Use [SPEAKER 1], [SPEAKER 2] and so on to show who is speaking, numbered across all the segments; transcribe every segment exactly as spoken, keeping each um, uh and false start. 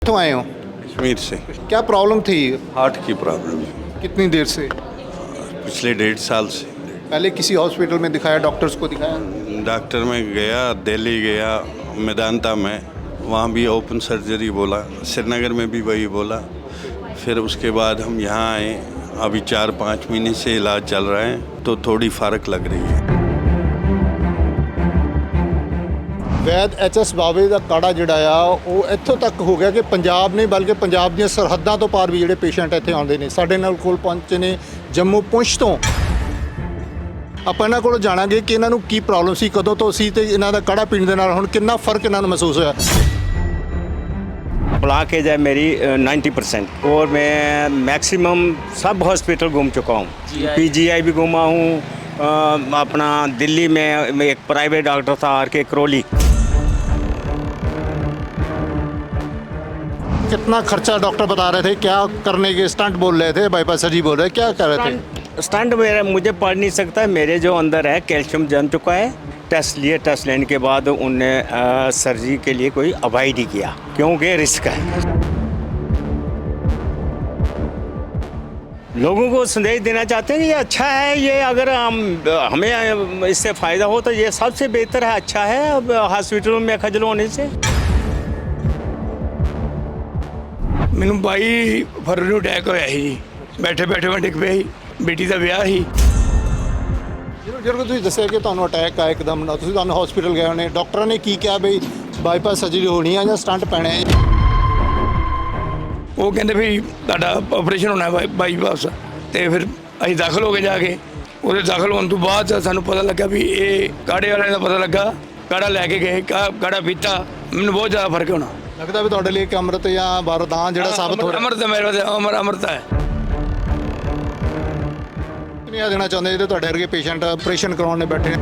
[SPEAKER 1] कित्थों आए हो?
[SPEAKER 2] कश्मीर से।
[SPEAKER 1] क्या प्रॉब्लम थी?
[SPEAKER 2] हार्ट की प्रॉब्लम है।
[SPEAKER 1] कितनी देर से?
[SPEAKER 2] पिछले डेढ़ साल से।
[SPEAKER 1] पहले किसी हॉस्पिटल में दिखाया, डॉक्टर्स को दिखाया?
[SPEAKER 2] डॉक्टर में गया, दिल्ली गया, मेदांता में, वहाँ भी ओपन सर्जरी बोला, श्रीनगर में भी वही बोला। फिर उसके बाद हम यहाँ आए, अभी चार पाँच महीने से इलाज चल रहा है तो थोड़ी फ़र्क लग रही है।
[SPEAKER 1] ਵੈਦ ਐਚ ਐਸ ਬਾਵੇ ਦਾ ਕਾੜਾ ਜਿਹੜਾ ਆ ਉਹ ਇੱਥੋਂ ਤੱਕ ਹੋ ਗਿਆ ਕਿ ਪੰਜਾਬ ਨਹੀਂ ਬਲਕਿ ਪੰਜਾਬ ਦੀਆਂ ਸਰਹੱਦਾਂ ਤੋਂ ਪਾਰ ਵੀ ਜਿਹੜੇ ਪੇਸ਼ੈਂਟ ਇੱਥੇ ਆਉਂਦੇ ਨੇ। ਸਾਡੇ ਨਾਲ ਕੋਲ ਪਹੁੰਚੇ ਨੇ ਜੰਮੂ ਪੁੰਛ ਤੋਂ। ਆਪਾਂ ਇਹਨਾਂ ਕੋਲੋਂ ਜਾਣਾਂਗੇ ਕਿ ਇਹਨਾਂ ਨੂੰ ਕੀ ਪ੍ਰੋਬਲਮ ਸੀ, ਕਦੋਂ ਤੋਂ ਸੀ ਤੇ ਇਹਨਾਂ ਦਾ ਕਾੜਾ ਪੀਣ ਦੇ ਨਾਲ ਹੁਣ ਕਿੰਨਾ ਫਰਕ ਇਹਨਾਂ ਨੂੰ ਮਹਿਸੂਸ ਹੋਇਆ।
[SPEAKER 3] ब्लॉकेज है मेरी नाइन्टी परसेंट और मैं मैक्सिमम सब हॉस्पिटल घूम चुका हूँ। पीजीआई भी घूमा हूँ, अ, अपना दिल्ली में एक प्राइवेट डॉक्टर था आर के करौली।
[SPEAKER 1] कितना खर्चा डॉक्टर बता रहे थे, क्या करने के स्टंट बोल रहे थे, बाईपास सर्जरी बोल रहे थे, क्या कर रहे थे?
[SPEAKER 3] स्टंट मेरा मुझे पढ़ नहीं सकता, मेरे जो अंदर है कैल्शियम जम चुका है। टेस्ट लिए, टेस्ट लेने के बाद उनने सर्जरी के लिए कोई अवॉइड ही किया क्योंकि रिस्क है। लोगों को संदेश देना चाहते हैं कि ये अच्छा है, ये अगर हम हमें इससे फ़ायदा हो तो ये सबसे बेहतर है, अच्छा है अब हॉस्पिटलों में खजल होने से।
[SPEAKER 4] ਮੈਨੂੰ ਬਾਈ ਫਰਵਰੀ ਨੂੰ ਅਟੈਕ ਹੋਇਆ ਸੀ ਜੀ। ਬੈਠੇ ਬੈਠੇ ਮੈਂ ਡਿੱਗ ਪਿਆ ਸੀ, ਬੇਟੀ ਦਾ ਵਿਆਹ ਸੀ।
[SPEAKER 1] ਜਦੋਂ ਜਦੋਂ ਤੁਸੀਂ ਦੱਸਿਆ ਕਿ ਤੁਹਾਨੂੰ ਅਟੈਕ ਆਇਆ ਇੱਕਦਮ ਨਾਲ, ਤੁਸੀਂ ਤੁਹਾਨੂੰ ਹਸਪੀਟਲ ਗਏ ਹੋਣੇ, ਡਾਕਟਰਾਂ ਨੇ ਕੀ ਕਿਹਾ ਬਈ ਬਾਈਪਾਸ ਸਰਜਰੀ ਹੋਣੀ ਆ ਜਾਂ ਸਟੰਟ ਪੈਣਾ ਹੈ?
[SPEAKER 4] ਉਹ ਕਹਿੰਦੇ ਵੀ ਤੁਹਾਡਾ ਆਪਰੇਸ਼ਨ ਹੋਣਾ ਹੈ ਬਾਈਪਾਸ। ਤੇ ਫਿਰ ਅਸੀਂ ਦਾਖਲ ਹੋ ਕੇ ਜਾ ਕੇ ਉਹਦੇ ਦਾਖਲ ਹੋਣ ਤੋਂ ਬਾਅਦ ਸਾਨੂੰ ਪਤਾ ਲੱਗਾ ਵੀ ਇਹ ਕਾੜੇ ਵਾਲਿਆਂ ਦਾ ਪਤਾ ਲੱਗਾ। ਕਾੜਾ ਲੈ ਕੇ ਗਏ, ਕਾ ਕਾੜਾ ਪੀਤਾ, ਮੈਨੂੰ ਬਹੁਤ ਜ਼ਿਆਦਾ ਫਰਕ ਹੋਣਾ
[SPEAKER 1] ਲੱਗਦਾ ਵੀ ਤੁਹਾਡੇ ਲਈ ਇੱਕ ਅੰਮ੍ਰਿਤ ਜਾਂ ਵਰਦਾਨ ਜਿਹੜਾ ਸਾਬਤ ਹੋ ਰਿਹਾ।
[SPEAKER 4] ਅੰਮ੍ਰਿਤ ਮੇਰੇ ਵਾਸਤੇ ਅਮਰ ਅੰਮ੍ਰਿਤ ਹੈ।
[SPEAKER 1] ਕਿੰਨਾ ਦੇਣਾ ਚਾਹੁੰਦੇ ਜਿਹੜੇ ਤੁਹਾਡੇ ਵਰਗੇ ਪੇਸ਼ੈਂਟ ਆਪਰੇਸ਼ਨ ਕਰਾਉਣ ਨੇ ਬੈਠੇ?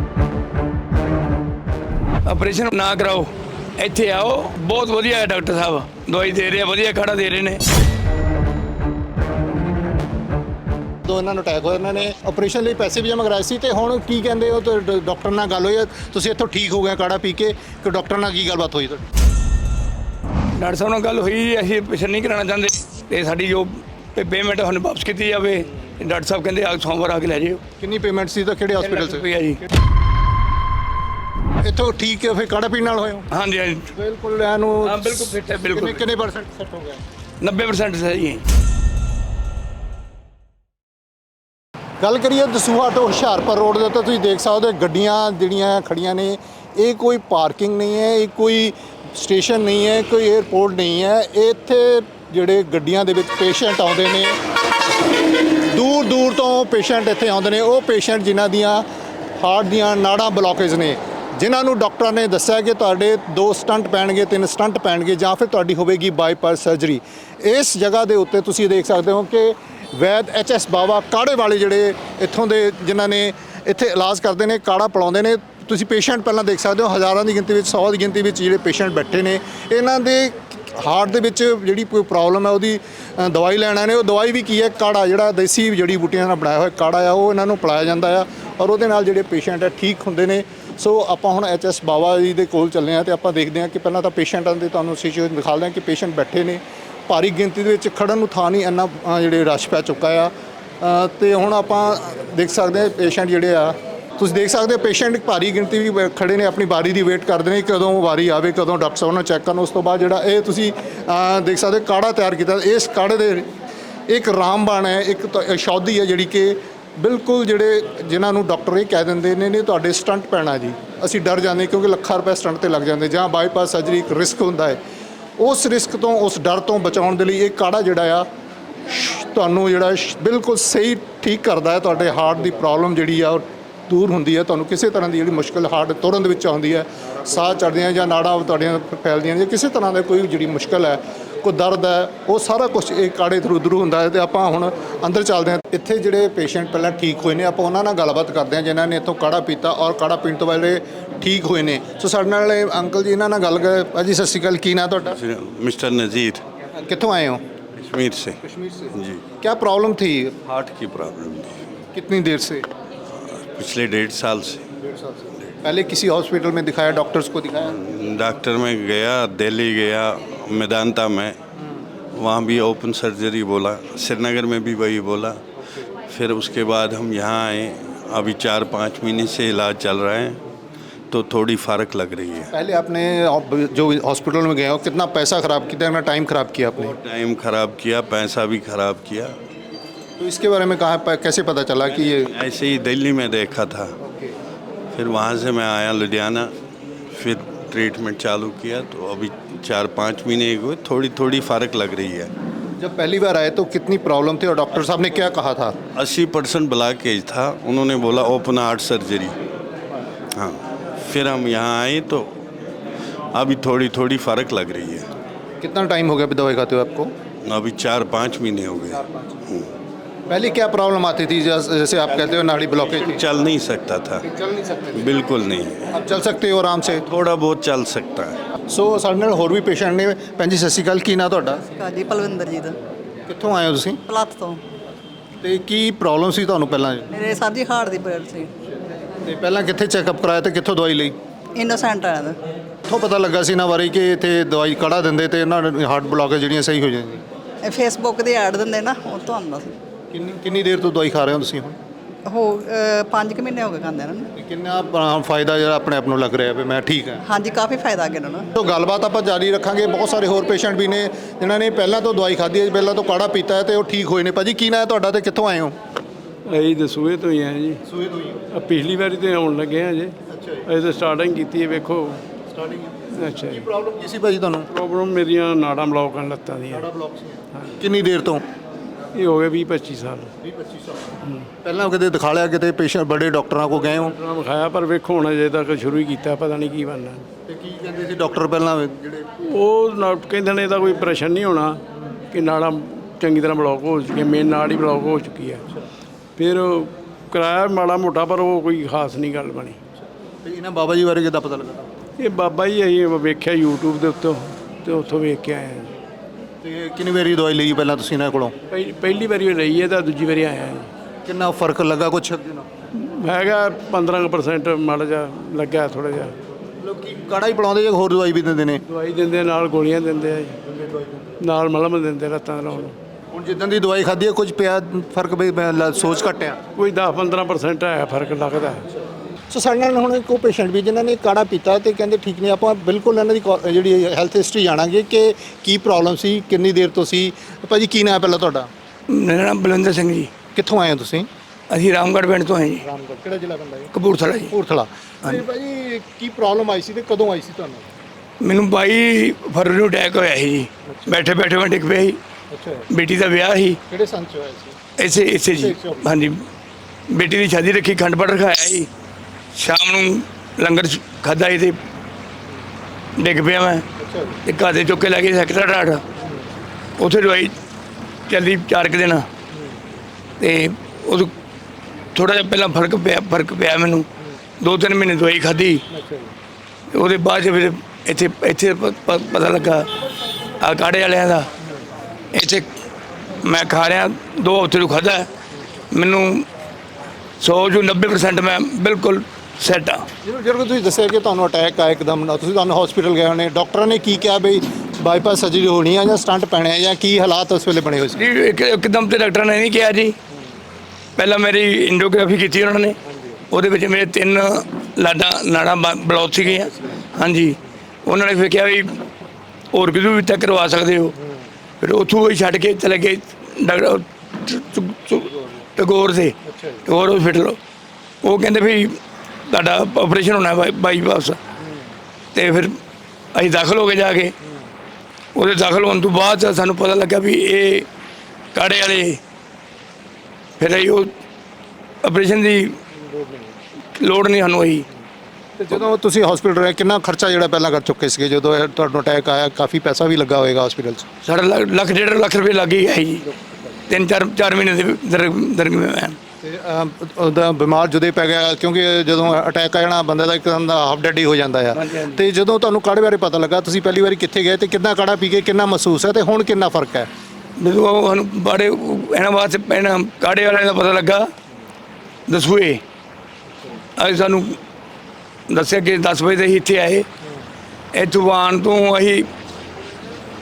[SPEAKER 4] ਆਪਰੇਸ਼ਨ ਨਾ ਕਰਾਓ, ਇੱਥੇ ਆਓ, ਬਹੁਤ ਵਧੀਆ ਹੈ ਡਾਕਟਰ ਸਾਹਿਬ, ਦਵਾਈ ਦੇ ਰਹੇ ਆ, ਵਧੀਆ ਕਾੜਾ ਦੇ ਰਹੇ ਨੇ।
[SPEAKER 1] ਜਦੋਂ ਇਹਨਾਂ ਨੂੰ ਅਟੈਕ ਹੋਇਆ ਇਹਨਾਂ ਨੇ ਆਪਰੇਸ਼ਨ ਲਈ ਪੈਸੇ ਵੀ ਜਮ੍ਹਾਂ ਕਰਾਏ ਸੀ ਤੇ ਹੁਣ ਕੀ ਕਹਿੰਦੇ ਹੋ? ਤੇ ਡ- ਡਾਕਟਰ ਨਾਲ ਗੱਲ ਹੋਈ, ਤੁਸੀਂ ਇੱਥੋਂ ਠੀਕ ਹੋ ਗਏ ਕਾੜਾ ਪੀ ਕੇ, ਕਿ ਡਾਕਟਰ ਨਾਲ ਕੀ ਗੱਲਬਾਤ ਹੋਈ ਤੁਹਾਡੀ?
[SPEAKER 4] ਡਾਕਟਰ ਸਾਹਿਬ ਨਾਲ ਗੱਲ ਹੋਈ, ਅਸੀਂ ਆਪਰੇਸ਼ਨ ਨਹੀਂ ਕਰਾਉਣਾ ਚਾਹੁੰਦੇ ਤੇ ਸਾਡੀ ਜੋ ਪੇਮੈਂਟ ਹੁਣ ਵਾਪਸ ਕੀਤੀ ਜਾਵੇ। ਡਾਕਟਰ ਸਾਹਿਬ ਕਹਿੰਦੇ ਆ ਸੋਮਵਾਰ ਆ ਕੇ ਲੈ ਜਿਓ।
[SPEAKER 1] ਕਿੰਨੀ ਪੇਮੈਂਟ ਸੀ ਤਾਂ ਕਿਹੜੇ ਹਸਪੀਟਲ 'ਚ?
[SPEAKER 4] ਰੁਪਈਆ ਜੀ।
[SPEAKER 1] ਇੱਥੋਂ ਠੀਕ ਹੈ ਫਿਰ ਕਾੜਾ ਪੀਣ ਨਾਲ ਹੋਏ ਹੋ?
[SPEAKER 4] ਹਾਂਜੀ ਹਾਂਜੀ,
[SPEAKER 1] ਬਿਲਕੁਲ ਇਹਨੂੰ
[SPEAKER 4] ਹਾਂ ਬਿਲਕੁਲ ਫਿੱਟ ਹੈ, ਬਿਲਕੁਲ
[SPEAKER 1] ਕਿੰਨੇ ਕਿੰਨੇ ਪਰਸੈਂਟ ਸੈੱਟ ਹੋ ਗਿਆ?
[SPEAKER 4] ਨੱਬੇ ਪਰਸੈਂਟ ਸਹੀ ਹੈ।
[SPEAKER 1] ਗੱਲ ਕਰੀਏ ਦਸੂਹਾ ਤੋਂ ਹੁਸ਼ਿਆਰਪੁਰ ਰੋਡ ਦੇ ਉੱਤੇ, ਤੁਸੀਂ ਦੇਖ ਸਕਦੇ ਹੋ ਗੱਡੀਆਂ ਜਿਹੜੀਆਂ ਖੜੀਆਂ ਨੇ, ਇਹ ਕੋਈ ਪਾਰਕਿੰਗ ਨਹੀਂ ਹੈ, ਇਹ ਕੋਈ ਸਟੇਸ਼ਨ ਨਹੀਂ ਹੈ, ਕੋਈ 에ਅਰਪੋਰਟ ਨਹੀਂ ਹੈ। ਇੱਥੇ ਜਿਹੜੇ ਗੱਡੀਆਂ ਦੇ ਵਿੱਚ ਪੇਸ਼ੈਂਟ ਆਉਂਦੇ ਨੇ, ਦੂਰ ਦੂਰ ਤੋਂ ਪੇਸ਼ੈਂਟ ਇੱਥੇ ਆਉਂਦੇ ਨੇ। ਉਹ ਪੇਸ਼ੈਂਟ ਜਿਨ੍ਹਾਂ ਦੀਆਂ ਹਾਰਟ ਦੀਆਂ ਨਾੜਾਂ ਬਲੌਕੇਜ ਨੇ, ਜਿਨ੍ਹਾਂ ਨੂੰ ਡਾਕਟਰਾਂ ਨੇ ਦੱਸਿਆ ਕਿ ਤੁਹਾਡੇ ਦੋ ਸਟੰਟ ਪੈਣਗੇ, ਤਿੰਨ ਸਟੰਟ ਪੈਣਗੇ ਜਾਂ ਫਿਰ ਤੁਹਾਡੀ ਹੋਵੇਗੀ ਬਾਈਪਾਸ ਸਰਜਰੀ। ਇਸ ਜਗ੍ਹਾ ਦੇ ਉੱਤੇ ਤੁਸੀਂ ਦੇਖ ਸਕਦੇ ਹੋ ਕਿ ਵੈਦ ਐਚ ਐਸ ਬਾਵਾ ਕਾੜੇ ਵਾਲੇ ਜਿਹੜੇ ਇੱਥੋਂ ਦੇ ਜਿਨ੍ਹਾਂ ਨੇ ਇੱਥੇ ਇਲਾਜ ਕਰਦੇ ਨੇ, ਕਾੜਾ ਪਿਲਾਉਂਦੇ ਨੇ। ਤੁਸੀਂ ਪੇਸ਼ੈਂਟ ਪਹਿਲਾਂ ਦੇਖ ਸਕਦੇ ਹੋ, ਹਜ਼ਾਰਾਂ ਦੀ ਗਿਣਤੀ ਵਿੱਚ, ਸੌ ਦੀ ਗਿਣਤੀ ਵਿੱਚ ਜਿਹੜੇ ਪੇਸ਼ੈਂਟ ਬੈਠੇ ਨੇ। ਇਹਨਾਂ ਦੇ ਹਾਰਟ ਦੇ ਵਿੱਚ ਜਿਹੜੀ ਕੋਈ ਪ੍ਰੋਬਲਮ ਹੈ ਉਹਦੀ ਅ, ਦਵਾਈ ਲੈਣਾ ਨੇ। ਉਹ ਦਵਾਈ ਵੀ ਕੀ ਹੈ? ਕਾੜਾ, ਜਿਹੜਾ ਦੇਸੀ ਜੜੀ ਬੂਟੀਆਂ ਨਾਲ ਬਣਾਇਆ ਹੋਇਆ ਕਾੜਾ ਆ, ਉਹ ਇਹਨਾਂ ਨੂੰ ਪਿਲਾਇਆ ਜਾਂਦਾ ਆ ਔਰ ਉਹਦੇ ਨਾਲ ਜਿਹੜੇ ਪੇਸ਼ੈਂਟ ਹੈ ਠੀਕ ਹੁੰਦੇ ਨੇ। ਸੋ ਆਪਾਂ ਹੁਣ ਐਚ ਐਸ ਬਾਵਾ ਜੀ ਦੇ ਕੋਲ ਚੱਲੇ ਹਾਂ ਤੇ ਆਪਾਂ ਦੇਖਦੇ ਹਾਂ ਕਿ ਪਹਿਲਾਂ ਤਾਂ ਪੇਸ਼ੈਂਟਾਂ ਦੇ ਤੁਹਾਨੂੰ ਸਿਚੁਏਸ਼ਨ ਦਿਖਾਉਂਦੇ ਹਾਂ ਕਿ ਪੇਸ਼ੈਂਟ ਬੈਠੇ ਨੇ, ਭਾਰੀ ਗਿਣਤੀ ਦੇ ਵਿੱਚ, ਖੜਨ ਨੂੰ ਥਾਂ ਨਹੀਂ, ਇੰਨਾ ਅ, ਜਿਹੜੇ ਰਸ਼ ਪੈ ਚੁੱਕਾ ਆ। ਅ, ਤੇ ਹੁਣ ਆਪਾਂ ਦੇਖ ਸਕਦੇ ਹਾਂ ਪੇਸ਼ੈਂਟ ਜਿਹੜੇ ਆ, ਤੁਸੀਂ ਦੇਖ ਸਕਦੇ ਹੋ ਪੇਸ਼ੈਂਟ ਭਾਰੀ ਗਿਣਤੀ ਵੀ ਖੜੇ ਨੇ, ਆਪਣੀ ਵਾਰੀ ਦੀ ਵੇਟ ਕਰਦੇ ਨੇ ਕਦੋਂ ਵਾਰੀ ਆਵੇ, ਕਦੋਂ ਡਾਕਟਰ ਸਾਹਿਬ ਨੂੰ ਚੈੱਕ ਕਰਨ। ਉਸ ਤੋਂ ਬਾਅਦ ਜਿਹੜਾ ਇਹ ਤੁਸੀਂ ਅ, ਦੇਖ ਸਕਦੇ ਹੋ ਕਾੜਾ ਤਿਆਰ ਕੀਤਾ। ਇਸ ਕਾੜੇ ਦੇ ਇੱਕ ਰਾਮਬਾਣ ਹੈ, ਇੱਕ ਤਾਂ ਔਸ਼ਧੀ ਹੈ ਜਿਹੜੀ ਕਿ ਬਿਲਕੁਲ ਜਿਹੜੇ ਜਿਨ੍ਹਾਂ ਨੂੰ ਡਾਕਟਰ ਇਹ ਕਹਿ ਦਿੰਦੇ ਨੇ ਨੇ ਤੁਹਾਡੇ ਸਟੰਟ ਪੈਣਾ ਜੀ, ਅਸੀਂ ਡਰ ਜਾਂਦੇ ਕਿਉਂਕਿ ਲੱਖਾਂ ਰੁਪਏ ਸਟੰਟ ਤੇ ਲੱਗ ਜਾਂਦੇ, ਜਾਂ ਬਾਈਪਾਸ ਸਰਜਰੀ ਇੱਕ ਰਿਸਕ ਹੁੰਦਾ ਹੈ। ਉਸ ਰਿਸਕ ਤੋਂ, ਉਸ ਡਰ ਤੋਂ ਬਚਾਉਣ ਦੇ ਲਈ ਇਹ ਕਾੜਾ ਜਿਹੜਾ ਆ ਤੁਹਾਨੂੰ ਜਿਹੜਾ ਬਿਲਕੁਲ ਸਹੀ ਠੀਕ ਕਰਦਾ ਹੈ। ਤੁਹਾਡੇ ਹਾਰਟ ਦੀ ਪ੍ਰੋਬਲਮ ਜਿਹੜੀ ਆ ਉਹ ਦੂਰ ਹੁੰਦੀ ਹੈ। ਤੁਹਾਨੂੰ ਕਿਸੇ ਤਰ੍ਹਾਂ ਦੀ ਜਿਹੜੀ ਮੁਸ਼ਕਿਲ ਹਾਰਟ ਤੁਰਨ ਦੇ ਵਿੱਚ ਆਉਂਦੀ ਹੈ, ਸਾਹ ਚੜ੍ਹਦੀਆਂ ਜਾਂ ਨਾੜਾਂ ਤੁਹਾਡੀਆਂ ਫੈਲਦੀਆਂ ਜਾਂ ਕਿਸੇ ਤਰ੍ਹਾਂ ਦਾ ਕੋਈ ਜਿਹੜੀ ਮੁਸ਼ਕਿਲ ਹੈ, ਕੋਈ ਦਰਦ ਹੈ, ਉਹ ਸਾਰਾ ਕੁਝ ਇਹ ਕਾੜੇ ਥਰੂ ਦੂਰ ਹੁੰਦਾ ਹੈ। ਤੇ ਆਪਾਂ ਹੁਣ ਅੰਦਰ ਚੱਲਦੇ ਹਾਂ। ਇੱਥੇ ਜਿਹੜੇ ਪੇਸ਼ੈਂਟ ਪਹਿਲਾਂ ਠੀਕ ਹੋਏ ਨੇ, ਆਪਾਂ ਉਹਨਾਂ ਨਾਲ ਗੱਲਬਾਤ ਕਰਦੇ ਹਾਂ ਜਿਨ੍ਹਾਂ ਨੇ ਇੱਥੋਂ ਕਾੜਾ ਪੀਤਾ ਔਰ ਕਾੜਾ ਪੀਣ ਤੋਂ ਬਾਅਦ ਜਿਹੜੇ ਠੀਕ ਹੋਏ ਨੇ। ਸੋ ਸਾਡੇ ਨਾਲ ਇਹ ਅੰਕਲ ਜੀ, ਇਹਨਾਂ ਨਾਲ ਗੱਲ ਕਰ। ਭਾਜੀ ਸਤਿ ਸ਼੍ਰੀ ਅਕਾਲ, ਕੀ ਨਾਂ ਤੁਹਾਡਾ?
[SPEAKER 2] मिस्टर नज़ीर,
[SPEAKER 1] कित्थों आए हो?
[SPEAKER 2] कश्मीर से।
[SPEAKER 1] कश्मीर से।
[SPEAKER 2] जी।
[SPEAKER 1] क्या प्रॉब्लम थी?
[SPEAKER 2] हार्ट की प्रॉब्लम थी।
[SPEAKER 1] कितनी देर से?
[SPEAKER 2] पिछले डेढ़ साल से।
[SPEAKER 1] डेढ़ साल से। पहले किसी हॉस्पिटल में दिखाया, डॉक्टर्स को दिखाया?
[SPEAKER 2] डॉक्टर में गया, दिल्ली गया, मैदानता में, वहाँ भी ओपन सर्जरी बोला, श्रीनगर में भी वही बोला। फिर उसके बाद हम यहाँ आए, अभी चार पाँच महीने से इलाज चल रहा है, तो थोड़ी फ़र्क लग रही है।
[SPEAKER 1] पहले आपने आप जो हॉस्पिटल में गए हो कितना पैसा ख़राब किया, कितना टाइम ख़राब किया आपने?
[SPEAKER 2] टाइम ख़राब किया, पैसा भी ख़राब किया।
[SPEAKER 1] तो इसके बारे में कहाँ कैसे पता चला कि ये
[SPEAKER 2] ऐसे ही दिल्ली में देखा था, फिर वहाँ से मैं आया लुधियाना, फिर ट्रीटमेंट चालू किया, तो अभी चार पाँच महीने हुए, थोड़ी थोड़ी फ़र्क लग रही है।
[SPEAKER 1] जब पहली बार आए तो कितनी प्रॉब्लम थी और डॉक्टर साहब ने क्या कहा था?
[SPEAKER 2] अस्सी परसेंट ब्लॉकेज था, उन्होंने बोला ओपन हार्ट सर्जरी। हाँ, फिर हम यहाँ आए तो अभी थोड़ी थोड़ी फ़र्क लग रही है।
[SPEAKER 1] कितना टाइम हो गया अभी दवाई खाते हुए आपको?
[SPEAKER 2] अभी चार पाँच महीने हो गए।
[SPEAKER 1] पहले क्या प्रॉब्लम आती थी, जैसे आप कहते हो नाड़ी ब्लॉकेज थी?
[SPEAKER 2] चल नहीं सकता था,
[SPEAKER 1] चल नहीं सकते?
[SPEAKER 2] बिल्कुल नहीं।
[SPEAKER 1] अब चल सकते हो आराम से?
[SPEAKER 2] थोड़ा बहुत चल सकता है।
[SPEAKER 1] ਸੋ ਸਾਡੇ ਨਾਲ ਹੋਰ ਵੀ ਪੇਸ਼ੈਂਟ ਨੇ। ਭੈਣ ਜੀ ਸਤਿ ਸ਼੍ਰੀ ਅਕਾਲ, ਕੀ ਨਾਂ ਤੁਹਾਡਾ?
[SPEAKER 5] ਕਾਜੀ ਪਲਵਿੰਦਰ ਜੀ ਦਾ
[SPEAKER 1] ਕਿੱਥੋਂ ਆਏ ਹੋ ਤੁਸੀਂ
[SPEAKER 5] ਪਲੱਥ ਤੋਂ।
[SPEAKER 1] ਤੇ ਕੀ ਪ੍ਰੋਬਲਮ ਸੀ ਤੁਹਾਨੂੰ ਪਹਿਲਾਂ ਜੀ?
[SPEAKER 5] ਮੇਰੇ ਸਰ ਜੀ ਹਾਰਟ ਦੀ ਪ੍ਰੋਬਲਮ ਸੀ।
[SPEAKER 1] ਤੇ ਪਹਿਲਾਂ ਕਿੱਥੇ ਚੈੱਕਅਪ ਕਰਾਇਆ ਤੇ ਕਿੱਥੋਂ ਦਵਾਈ ਲਈ?
[SPEAKER 5] ਇਨੋਸੈਂਟ ਆਇਆ ਦਾ।
[SPEAKER 1] ਕਿੱਥੋਂ ਪਤਾ ਲੱਗਾ ਸੀ ਇਹਨਾਂ ਬਾਰੇ ਕਿ ਇੱਥੇ ਦਵਾਈ ਕੜਾ ਦਿੰਦੇ ਤੇ ਇਹਨਾਂ ਹਾਰਟ ਬਲੌਕੇਜ ਜਿਹੜੀਆਂ ਸਹੀ ਹੋ ਜਾਂਦੀਆਂ?
[SPEAKER 5] ਇਹ ਫੇਸਬੁੱਕ ਦੀ ਐਡ ਦਿੰਦੇ ਨਾ, ਉਹ ਤੋਂ ਆਉਂਦਾ ਸੀ।
[SPEAKER 1] ਕਿੰਨੀ ਕਿੰਨੀ ਦੇਰ ਤੋਂ ਦਵਾਈ ਖਾ ਰਹੇ ਹੋ ਤੁਸੀਂ ਹੁਣ?
[SPEAKER 5] ਹੋ ਅ, ਪੰਜ ਕੁ ਮਹੀਨੇ ਹੋ ਗਏ ਖਾਂਦੇ ਇਹਨਾਂ ਨੂੰ।
[SPEAKER 1] ਤੇ ਕਿੰਨਾ ਆਪਣਾ ਫਾਇਦਾ ਜਿਹੜਾ ਆਪਣੇ ਆਪ ਨੂੰ ਲੱਗ ਰਿਹਾ ਵੀ ਮੈਂ ਠੀਕ ਹਾਂ?
[SPEAKER 5] ਹਾਂਜੀ, ਕਾਫੀ ਫਾਇਦਾ ਆ ਗਿਆ ਇਹਨਾਂ ਨੂੰ।
[SPEAKER 1] ਤੋ ਗੱਲਬਾਤ ਆਪਾਂ ਜਾਰੀ ਰੱਖਾਂਗੇ। ਬਹੁਤ ਸਾਰੇ ਹੋਰ ਪੇਸ਼ੈਂਟ ਵੀ ਨੇ ਜਿਨ੍ਹਾਂ ਨੇ ਪਹਿਲਾਂ ਤੋਂ ਦਵਾਈ ਖਾਧੀ ਹੈ, ਪਹਿਲਾਂ ਤੋਂ ਕਾੜਾ ਪੀਤਾ ਹੈ ਤੇ ਉਹ ਠੀਕ ਹੋਏ ਨੇ। ਭਾਜੀ ਕੀ ਨਾਂ ਹੈ ਤੁਹਾਡਾ ਤੇ ਕਿੱਥੋਂ ਆਏ ਹੋ?
[SPEAKER 6] ਅਸੀਂ ਦਸੂਏ ਤੋਂ ਹੀ ਆਏ ਜੀ।
[SPEAKER 1] ਸੂਏ ਤੋਂ ਹੀ
[SPEAKER 6] ਆ ਪਿਛਲੀ ਵਾਰੀ ਤੇ ਆਉਣ ਲੱਗੇ ਆ ਜੀ।
[SPEAKER 1] ਅੱਛਾ ਜੀ,
[SPEAKER 6] ਅਸੀਂ ਤਾਂ ਸਟਾਰਟਿੰਗ ਕੀਤੀ ਹੈ, ਵੇਖੋ।
[SPEAKER 1] ਸਟਾਰਟਿੰਗ
[SPEAKER 6] ਅੱਛਾ ਜੀ।
[SPEAKER 1] ਪ੍ਰੋਬਲਮ ਕੀ ਸੀ ਭਾਜੀ ਤੁਹਾਨੂੰ?
[SPEAKER 6] ਪ੍ਰੋਬਲਮ ਮੇਰੀਆਂ ਨਾੜਾਂ ਬਲੌਕ ਹਨ ਲੱਤਾਂ ਦੀਆਂ।
[SPEAKER 1] ਬਲੌਕ ਸੀ। ਕਿੰਨੀ ਦੇਰ ਤੋਂ?
[SPEAKER 6] ਇਹ ਹੋ ਗਏ ਵੀਹ ਪੱਚੀ ਸਾਲ।
[SPEAKER 1] ਵੀਹ ਪੱਚੀ ਸਾਲ। ਪਹਿਲਾਂ ਕਿਤੇ ਦਿਖਾ ਲਿਆ, ਕਿਤੇ ਪੇਸ਼ੈਂਟ ਬੜੇ ਡਾਕਟਰਾਂ ਕੋਲ ਗਏ ਹੋ?
[SPEAKER 6] ਡਾਕਟਰਾਂ ਨੂੰ ਵਿਖਾਇਆ, ਪਰ ਵੇਖੋ ਹੁਣ ਅਜੇ ਤੱਕ ਸ਼ੁਰੂ ਹੀ ਕੀਤਾ, ਪਤਾ ਨਹੀਂ ਕੀ ਬਣਨਾ।
[SPEAKER 1] ਤੇ ਕੀ ਕਹਿੰਦੇ ਸੀ ਡਾਕਟਰ ਪਹਿਲਾਂ ਜਿਹੜੇ?
[SPEAKER 6] ਉਹ ਨਾ ਕਹਿੰਦੇ ਨੇ ਇਹਦਾ ਕੋਈ ਪ੍ਰੈਸ਼ਰ ਨਹੀਂ ਹੋਣਾ, ਕਿ ਨਾੜਾਂ ਚੰਗੀ ਤਰ੍ਹਾਂ ਬਲੌਕ ਹੋ ਚੁੱਕੀਆਂ, ਮੇਨ ਨਾੜ ਹੀ ਬਲੌਕ ਹੋ ਚੁੱਕੀ ਹੈ। ਫਿਰ ਕਰਾਇਆ ਮਾੜਾ ਮੋਟਾ, ਪਰ ਉਹ ਕੋਈ ਖਾਸ ਨਹੀਂ ਗੱਲ ਬਣੀ।
[SPEAKER 1] ਤੇ ਇਹਨਾਂ ਬਾਬਾ ਜੀ ਬਾਰੇ ਕਿੱਦਾਂ ਪਤਾ ਲੱਗਾ?
[SPEAKER 6] ਇਹ ਬਾਬਾ ਜੀ ਅਸੀਂ ਵੇਖਿਆ ਯੂਟਿਊਬ ਦੇ ਉੱਤੋਂ, ਤੇ ਉੱਥੋਂ ਵੇਖ ਕੇ ਆਏ ਹਾਂ।
[SPEAKER 1] ਤੇ ਕਿੰਨੀ ਵਾਰੀ ਦਵਾਈ ਲਈ ਪਹਿਲਾਂ ਤੁਸੀਂ ਇਹਨਾਂ ਕੋਲੋਂ?
[SPEAKER 6] ਪਹਿ- ਪਹਿਲੀ ਵਾਰੀ ਲਈ ਹੈ ਤਾਂ ਦੂਜੀ ਵਾਰੀ ਆਇਆ ਜੀ।
[SPEAKER 1] ਕਿੰਨਾ ਫਰਕ ਲੱਗਾ ਕੁਛ?
[SPEAKER 6] ਹੈਗਾ ਪੰਦਰਾਂ ਕੁ ਪਰਸੈਂਟ ਮਾੜਾ ਜਿਹਾ ਲੱਗਾ, ਥੋੜ੍ਹਾ ਜਿਹਾ।
[SPEAKER 1] ਲੋਕੀ ਕਾੜਾ ਹੀ ਪਿਲਾਉਂਦੇ ਜਾਂ ਹੋਰ ਦਵਾਈ ਵੀ ਦਿੰਦੇ ਨੇ?
[SPEAKER 6] ਦਵਾਈ ਦਿੰਦੇ, ਨਾਲ ਗੋਲੀਆਂ ਦਿੰਦੇ ਆ ਜੀ, ਨਾਲ ਮਲਮ ਦਿੰਦੇ ਲੱਤਾਂ ਲਾਉਣ ਨੂੰ।
[SPEAKER 1] ਹੁਣ ਜਿੱਦਾਂ ਦੀ ਦਵਾਈ ਖਾਧੀ ਹੈ ਕੁਝ ਪਿਆ ਫਰਕ? ਵੀ ਮੈਂ ਲ- ਸੋਚ ਘਟਿਆ?
[SPEAKER 6] ਕੋਈ ਦਸ ਪੰਦਰਾਂ ਪਰਸੈਂਟ ਹੈ ਫਰਕ ਲੱਗਦਾ।
[SPEAKER 1] ਸੋ ਸਾਡੇ ਨਾਲ ਹੁਣ ਇੱਕ ਪੇਸ਼ੈਂਟ ਵੀ ਜਿਨ੍ਹਾਂ ਨੇ ਕਾੜਾ ਪੀਤਾ ਤੇ ਕਹਿੰਦੇ ਠੀਕ ਨੇ। ਆਪਾਂ ਬਿਲਕੁਲ ਇਹਨਾਂ ਦੀ ਕੋ- ਜਿਹੜੀ ਹੈਲਥ ਹਿਸਟਰੀ ਜਾਣਾਂਗੇ ਕਿ ਕੀ ਪ੍ਰੋਬਲਮ ਸੀ, ਕਿੰਨੀ ਦੇਰ ਤੋਂ ਸੀ। ਭਾਜੀ ਕੀ ਨਾਮ ਹੈ ਪਹਿਲਾਂ ਤੁਹਾਡਾ?
[SPEAKER 4] ਮੇਰਾ ਨਾਮ ਬਲਵਿੰਦਰ ਸਿੰਘ ਜੀ।
[SPEAKER 1] ਕਿੱਥੋਂ ਆਏ ਹੋ ਤੁਸੀਂ?
[SPEAKER 4] ਅਸੀਂ ਰਾਮਗੜ੍ਹ ਪਿੰਡ ਤੋਂ ਆਏ ਜੀ,
[SPEAKER 1] ਰਾਮਗੜ੍ਹ। ਕਿਹੜਾ ਜ਼ਿਲ੍ਹਾ ਪੈਂਦਾ ਹੈ?
[SPEAKER 4] ਕਪੂਰਥਲਾ ਜੀ।
[SPEAKER 1] ਕਪੂਰਥਲਾ। ਤੇ ਭਾਜੀ ਕੀ ਪ੍ਰੋਬਲਮ ਆਈ ਸੀ ਤੇ ਕਦੋਂ ਆਈ ਸੀ ਤੁਹਾਨੂੰ?
[SPEAKER 4] ਮੈਨੂੰ ਬਾਈ ਫਰਵਰੀ ਨੂੰ ਅਟੈਕ ਹੋਇਆ ਸੀ ਜੀ। ਬੈਠੇ ਬੈਠੇ ਮੈਂ ਡਿੱਗ ਪਿਆ ਸੀ।
[SPEAKER 1] ਅੱਛਾ,
[SPEAKER 4] ਬੇਟੀ ਦਾ ਵਿਆਹ ਸੀ
[SPEAKER 1] ਕਿਹੜੇ ਸੰਨ ਚ ਹੋਇਆ ਸੀ?
[SPEAKER 4] ਇਸੇ ਇਸੇ ਜੀ। ਹਾਂਜੀ, ਬੇਟੀ ਦੀ ਸ਼ਾਦੀ ਰੱਖੀ, ਖੰਡ ਪਾਠ ਰਖਾਇਆ ਸੀ। ਸ਼ਾਮ ਨੂੰ ਲੰਗਰ ਖਾਧਾ ਸੀ ਤੇ ਡਿੱਗ ਪਿਆ ਮੈਂ।
[SPEAKER 1] ਅੱਛਾ ਜੀ।
[SPEAKER 4] ਤੇ ਘਰ ਦੇ ਚੁੱਕ ਕੇ ਲੈ ਗਏ ਸੈਕਟਰੀਏਟ। ਉੱਥੇ ਦਵਾਈ ਚੱਲੀ ਚਾਰ ਕੁ ਦਿਨ, ਤੇ ਉਦੋਂ ਥੋੜ੍ਹਾ ਜਿਹਾ ਪਹਿਲਾਂ ਫਰਕ ਪਿਆ ਫਰਕ ਪਿਆ ਮੈਨੂੰ। ਦੋ ਤਿੰਨ ਮਹੀਨੇ ਦਵਾਈ ਖਾਧੀ,
[SPEAKER 1] ਅੱਛਾ ਜੀ।
[SPEAKER 4] ਉਹਦੇ ਬਾਅਦ 'ਚ ਫਿਰ ਇੱਥੇ ਇੱਥੇ ਪ- ਪ- ਪਤਾ ਲੱਗਾ ਆ ਕਾੜੇ ਵਾਲਿਆਂ ਦਾ। ਇੱਥੇ ਮੈਂ ਖਾ ਰਿਹਾ, ਦੋ ਹਫ਼ਤੇ ਤੋਂ ਖਾਧਾ, ਮੈਨੂੰ ਸੌ ਚੋਂ ਨੱਬੇ ਪਰਸੈਂਟ ਮੈਂ ਬਿਲਕੁਲ ਸੈੱਟ ਆ।
[SPEAKER 1] ਜਦੋਂ ਜਦੋਂ ਤੁਸੀਂ ਦੱਸਿਆ ਕਿ ਤੁਹਾਨੂੰ ਅਟੈਕ ਆਇਆ ਇੱਕਦਮ ਨਾਲ, ਤੁਸੀਂ ਤੁਹਾਨੂੰ ਹਸਪੀਟਲ ਗਏ ਹੋਣੇ, ਡਾਕਟਰਾਂ ਨੇ ਕੀ ਕਿਹਾ ਬਈ ਬਾਈਪਾਸ ਸਰਜਰੀ ਹੋਣੀ ਆ ਜਾਂ ਸਟੰਟ ਪੈਣੇ ਆ ਜਾਂ ਕੀ ਹਾਲਾਤ ਉਸ ਵੇਲੇ ਬਣੇ ਹੋਏ ਸੀ?
[SPEAKER 4] ਜੀ ਇੱਕ ਇੱਕਦਮ ਤੇ ਡਾਕਟਰਾਂ ਨੇ ਨਹੀਂ ਕਿਹਾ ਜੀ। ਪਹਿਲਾਂ ਮੇਰੀ ਇੰਡੋਗ੍ਰਾਫੀ ਕੀਤੀ ਉਹਨਾਂ ਨੇ, ਉਹਦੇ ਵਿੱਚ ਮੇਰੇ ਤਿੰਨ ਲਾਡਾਂ ਨਾੜਾਂ ਬਲੌਕ ਸੀਗੀਆਂ। ਹਾਂਜੀ, ਉਹਨਾਂ ਨੇ ਫਿਰ ਕਿਹਾ ਵੀ ਹੋਰ ਕਿਦੋਂ ਵੀ ਤੱਕ ਕਰਵਾ ਸਕਦੇ ਹੋ। ਫਿਰ ਉੱਥੋਂ ਹੀ ਛੱਡ ਕੇ ਚਲੇ ਗਏ ਡਾਕਟਰ ਟੈਗੋਰ ਦੇ ਟੈਗੋਰ ਹਸਪੀਟਲ। ਉਹ ਕਹਿੰਦੇ ਵੀ ਤੁਹਾਡਾ ਆਪਰੇਸ਼ਨ ਹੋਣਾ ਬਾਈ ਬਾਈਪਾਸ। ਤੇ ਫਿਰ ਅਸੀਂ ਦਾਖਲ ਹੋ ਕੇ ਜਾ ਕੇ ਉਹਦੇ ਦਾਖਲ ਹੋਣ ਤੋਂ ਬਾਅਦ 'ਚ ਸਾਨੂੰ ਪਤਾ ਲੱਗਾ ਵੀ ਇਹ ਕਾੜੇ ਵਾਲੇ। ਫਿਰ ਅਸੀਂ ਉਹ ਆਪਰੇਸ਼ਨ ਦੀ ਲੋੜ ਨਹੀਂ ਸਾਨੂੰ ਹੋਈ।
[SPEAKER 1] ਤੇ ਜਦੋਂ ਤੁਸੀਂ ਹਸਪੀਟਲ ਰਹੇ ਕਿੰਨਾ ਖਰਚਾ ਜਿਹੜਾ ਪਹਿਲਾਂ ਕਰ ਚੁੱਕੇ ਸੀਗੇ? ਜਦੋਂ ਇਹ ਤੁਹਾਨੂੰ ਅਟੈਕ ਆਇਆ ਕਾਫੀ ਪੈਸਾ ਵੀ ਲੱਗਾ ਹੋਏਗਾ ਹਸਪੀਟਲ 'ਚ।
[SPEAKER 4] ਸਾਡਾ ਲੱਖ ਲੱਖ ਡੇਢ ਲੱਖ ਰੁਪਏ ਲੱਗ ਹੀ ਹੈ ਜੀ, ਤਿੰਨ ਚਾਰ ਚਾਰ ਮਹੀਨੇ ਦੇ ਦਰ ਦਰਮਿਆਨ ਮੈਂ।
[SPEAKER 1] ਤੇ ਅਮ, ਉਹਦਾ ਬਿਮਾਰ ਜੁਦੇ ਪੈ ਗਿਆ ਕਿਉਂਕਿ ਜਦੋਂ ਅਟੈਕ ਆ ਜਾਣਾ ਬੰਦੇ ਦਾ ਇੱਕਦਮ ਦਾ ਹਾਫ ਡੈਡ ਹੀ ਹੋ ਜਾਂਦਾ ਆ। ਤੇ ਜਦੋਂ ਤੁਹਾਨੂੰ ਕਾੜੇ ਬਾਰੇ ਪਤਾ ਲੱਗਾ, ਤੁਸੀਂ ਪਹਿਲੀ ਵਾਰੀ ਕਿੱਥੇ ਗਏ ਤੇ ਕਿੰਨਾ ਕਾੜਾ ਪੀ ਕੇ ਕਿੰਨਾ ਮਹਿਸੂਸ ਹੈ ਤੇ ਹੁਣ ਕਿੰਨਾ ਫਰਕ ਹੈ?
[SPEAKER 4] ਜਦੋਂ ਉਹ ਸਾਨੂੰ ਬਾੜੇ ਇਹਨਾਂ ਵਾਸਤੇ ਪਹਿਲਾਂ ਕਾੜੇ ਵਾਲਿਆਂ ਦਾ ਪਤਾ ਲੱਗਾ ਦਸੂਏ। ਅਸੀਂ ਸਾਨੂੰ ਦੱਸਿਆ ਕਿ ਦਸ ਵਜੇ ਦੇ ਅਸੀਂ ਇੱਥੇ ਆਏ। ਇੱਥੋਂ ਆਉਣ ਤੋਂ ਅਸੀਂ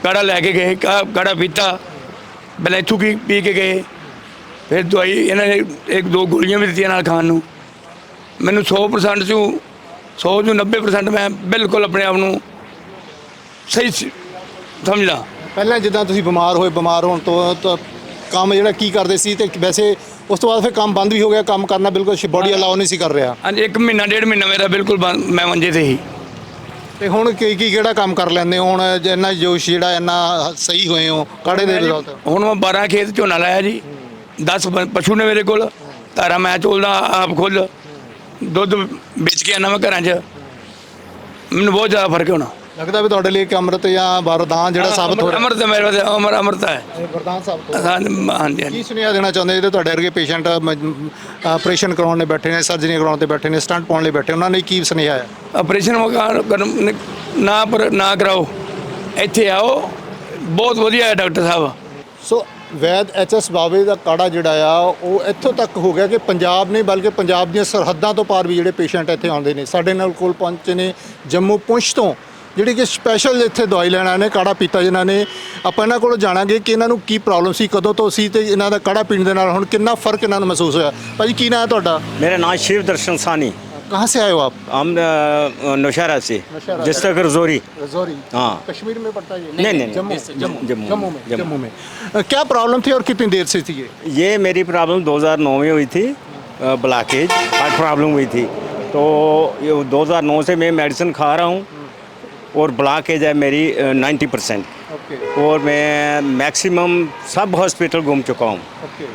[SPEAKER 4] ਕਾੜਾ ਲੈ ਕੇ ਗਏ, ਕਾ ਕਾੜਾ ਪੀਤਾ, ਪਹਿਲਾਂ ਇੱਥੋਂ ਕੀ ਪੀ ਕੇ ਗਏ, ਫਿਰ ਦਵਾਈ ਇਹਨਾਂ ਨੇ ਇੱਕ ਦੋ ਗੋਲੀਆਂ ਵੀ ਦਿੱਤੀਆਂ ਨਾਲ ਖਾਣ ਨੂੰ। ਮੈਨੂੰ ਸੌ ਪਰਸੈਂਟ ਚੋਂ ਸੌ ਚੋਂ ਨੱਬੇ ਪਰਸੈਂਟ ਮੈਂ ਬਿਲਕੁਲ ਆਪਣੇ ਆਪ ਨੂੰ ਸਹੀ ਸ- ਸਮਝਦਾ।
[SPEAKER 1] ਪਹਿਲਾਂ ਜਿੱਦਾਂ ਤੁਸੀਂ ਬਿਮਾਰ ਹੋਏ, ਬਿਮਾਰ ਹੋਣ ਤੋਂ ਤਾਂ ਕੰਮ ਜਿਹੜਾ ਕੀ ਕਰਦੇ ਸੀ, ਤੇ ਵੈਸੇ ਉਸ ਤੋਂ ਬਾਅਦ ਫਿਰ ਕੰਮ ਬੰਦ ਵੀ ਹੋ ਗਿਆ, ਕੰਮ ਕਰਨਾ ਬਿਲਕੁਲ ਬੋਡੀ ਅਲਾਉ ਨਹੀਂ ਸੀ ਕਰ ਰਿਹਾ,
[SPEAKER 4] ਹਾਂਜੀ, ਇੱਕ ਮਹੀਨਾ ਡੇਢ ਮਹੀਨਾ ਮੇਰਾ ਬਿਲਕੁਲ ਬੰਦ, ਮੈਂ ਮੰਜੇ ਤੇ ਹੀ।
[SPEAKER 1] ਤੇ ਹੁਣ ਕੀ ਕੀ ਕਿਹੜਾ ਕੰਮ ਕਰ ਲੈਂਦੇ ਹੋ ਹੁਣ, ਇੰਨਾ ਜੋਸ਼ ਜਿਹੜਾ ਇੰਨਾ ਸਹੀ ਹੋਏ ਹੋ ਕਾੜੇ ਦੇ ਰਿਜ਼ਲਟ?
[SPEAKER 4] ਹੁਣ ਮੈਂ ਬਾਰਾਂ ਖੇਤ ਝੋਨਾ ਲਾਇਆ ਜੀ, ਦਸ ਪ- ਪਸ਼ੂ ਨੇ ਮੇਰੇ ਕੋਲ, ਧਾਰਾ ਮੈਂ ਚੋਲਦਾ ਆਪ ਖੁਦ, ਦੁੱਧ ਵੇਚ ਕੇ ਆਉਂਦਾ ਮੈਂ ਘਰਾਂ 'ਚ। ਮੈਨੂੰ ਬਹੁਤ ਜ਼ਿਆਦਾ ਫਰਕ ਹੋਣਾ
[SPEAKER 1] ਲੱਗਦਾ ਵੀ ਤੁਹਾਡੇ ਲਈ ਇੱਕ ਅੰਮ੍ਰਿਤ ਜਾਂ ਵਰਦਾਨ ਜਿਹੜਾ ਸਾਬਤ ਹੋ ਰਿਹਾ?
[SPEAKER 4] ਅਮਰਤ ਮੇਰੇ ਵਾਸਤੇ ਅਮਰ ਅਮਰਤ ਹੈ।
[SPEAKER 1] ਵਰਦਾਨ ਸਾਬਤ ਹੋ
[SPEAKER 4] ਹਾਂਜੀ ਹਾਂਜੀ
[SPEAKER 1] ਕੀ
[SPEAKER 4] ਹਾਂਜੀ।
[SPEAKER 1] ਸੁਨੇਹਾ ਦੇਣਾ ਚਾਹੁੰਦੇ ਜਿਹੜੇ ਤੁਹਾਡੇ ਵਰਗੇ ਪੇਸ਼ੈਂਟ ਆਪਰੇਸ਼ਨ ਕਰਾਉਣ ਲਈ ਬੈਠੇ ਨੇ, ਸਰਜਰੀ ਕਰਾਉਣ ਤੇ ਬੈਠੇ ਨੇ, ਸਟੰਟ ਪਾਉਣ ਲਈ ਬੈਠੇ, ਉਹਨਾਂ ਲਈ ਕੀ ਸੁਨੇਹਾ ਹੈ?
[SPEAKER 4] ਆਪਰੇਸ਼ਨ ਵਗਾਰ ਕਰਨ ਨਾ ਪਰ ਨਾ ਕਰਾਓ, ਇੱਥੇ ਆਓ, ਬਹੁਤ ਵਧੀਆ ਹੈ ਡਾਕਟਰ ਸਾਹਿਬ।
[SPEAKER 1] ਸੋ ਵੈਦ ਐਚ ਐਸ ਬਾਵੇ ਦਾ ਕਾੜਾ ਜਿਹੜਾ ਆ ਉਹ ਇੱਥੋਂ ਤੱਕ ਹੋ ਗਿਆ ਕਿ ਪੰਜਾਬ ਨਹੀਂ ਬਲਕਿ ਪੰਜਾਬ ਦੀਆਂ ਸਰਹੱਦਾਂ ਤੋਂ ਪਾਰ ਵੀ ਜਿਹੜੇ ਪੇਸ਼ੈਂਟ ਇੱਥੇ ਆਉਂਦੇ ਨੇ। ਸਾਡੇ ਨਾਲ ਕੋਲ ਪਹੁੰਚੇ ਨੇ ਜੰਮੂ ਪੁੰਛ ਤੋਂ, ਜਿਹੜੀ ਕਿ ਸਪੈਸ਼ਲ ਇੱਥੇ ਦਵਾਈ ਲੈਣ ਆਏ ਨੇ, ਕਾੜਾ ਪੀਤਾ ਜਿਨ੍ਹਾਂ ਨੇ। ਆਪਾਂ ਇਹਨਾਂ ਕੋਲੋਂ ਜਾਣਾਂਗੇ ਕਿ ਇਹਨਾਂ ਨੂੰ ਕੀ ਪ੍ਰੋਬਲਮ ਸੀ, ਕਦੋਂ ਤੋਂ ਸੀ, ਤੇ ਇਹਨਾਂ ਦਾ ਕਾੜਾ ਪੀਣ ਦੇ ਨਾਲ ਹੁਣ ਕਿੰਨਾ ਫਰਕ ਇਹਨਾਂ ਨੂੰ ਮਹਿਸੂਸ ਹੋਇਆ। ਭਾਜੀ ਕੀ ਨਾਮ ਹੈ ਤੁਹਾਡਾ?
[SPEAKER 3] मेरा नाम शिव दर्शन सानी,
[SPEAKER 1] कहाँ से आए हो आप?
[SPEAKER 3] हम अ, नौशहरा से,
[SPEAKER 1] नौशहरा।
[SPEAKER 3] डिस्ट्रिक्ट रजौरी।
[SPEAKER 1] रजौरी?
[SPEAKER 3] हाँ।
[SPEAKER 1] कश्मीर में पड़ता है ये?
[SPEAKER 3] नहीं, नहीं,
[SPEAKER 1] जम्मू
[SPEAKER 3] जम्मू जम्मू
[SPEAKER 1] जम्मू में
[SPEAKER 3] जम्मू।
[SPEAKER 1] जम्मू में अ, क्या प्रॉब्लम थी और कितनी देर से थी ये?
[SPEAKER 3] ये मेरी प्रॉब्लम दो हज़ार नौ में हुई थी, ब्लॉकेज हार्ट प्रॉब्लम हुई थी। तो ये दो हज़ार नौ से मैं मेडिसिन खा रहा हूँ और ब्लॉकेज है मेरी नाइन्टी परसेंट,
[SPEAKER 1] ओके
[SPEAKER 3] और मैं मैक्सिमम सब हॉस्पिटल घूम चुका हूँ।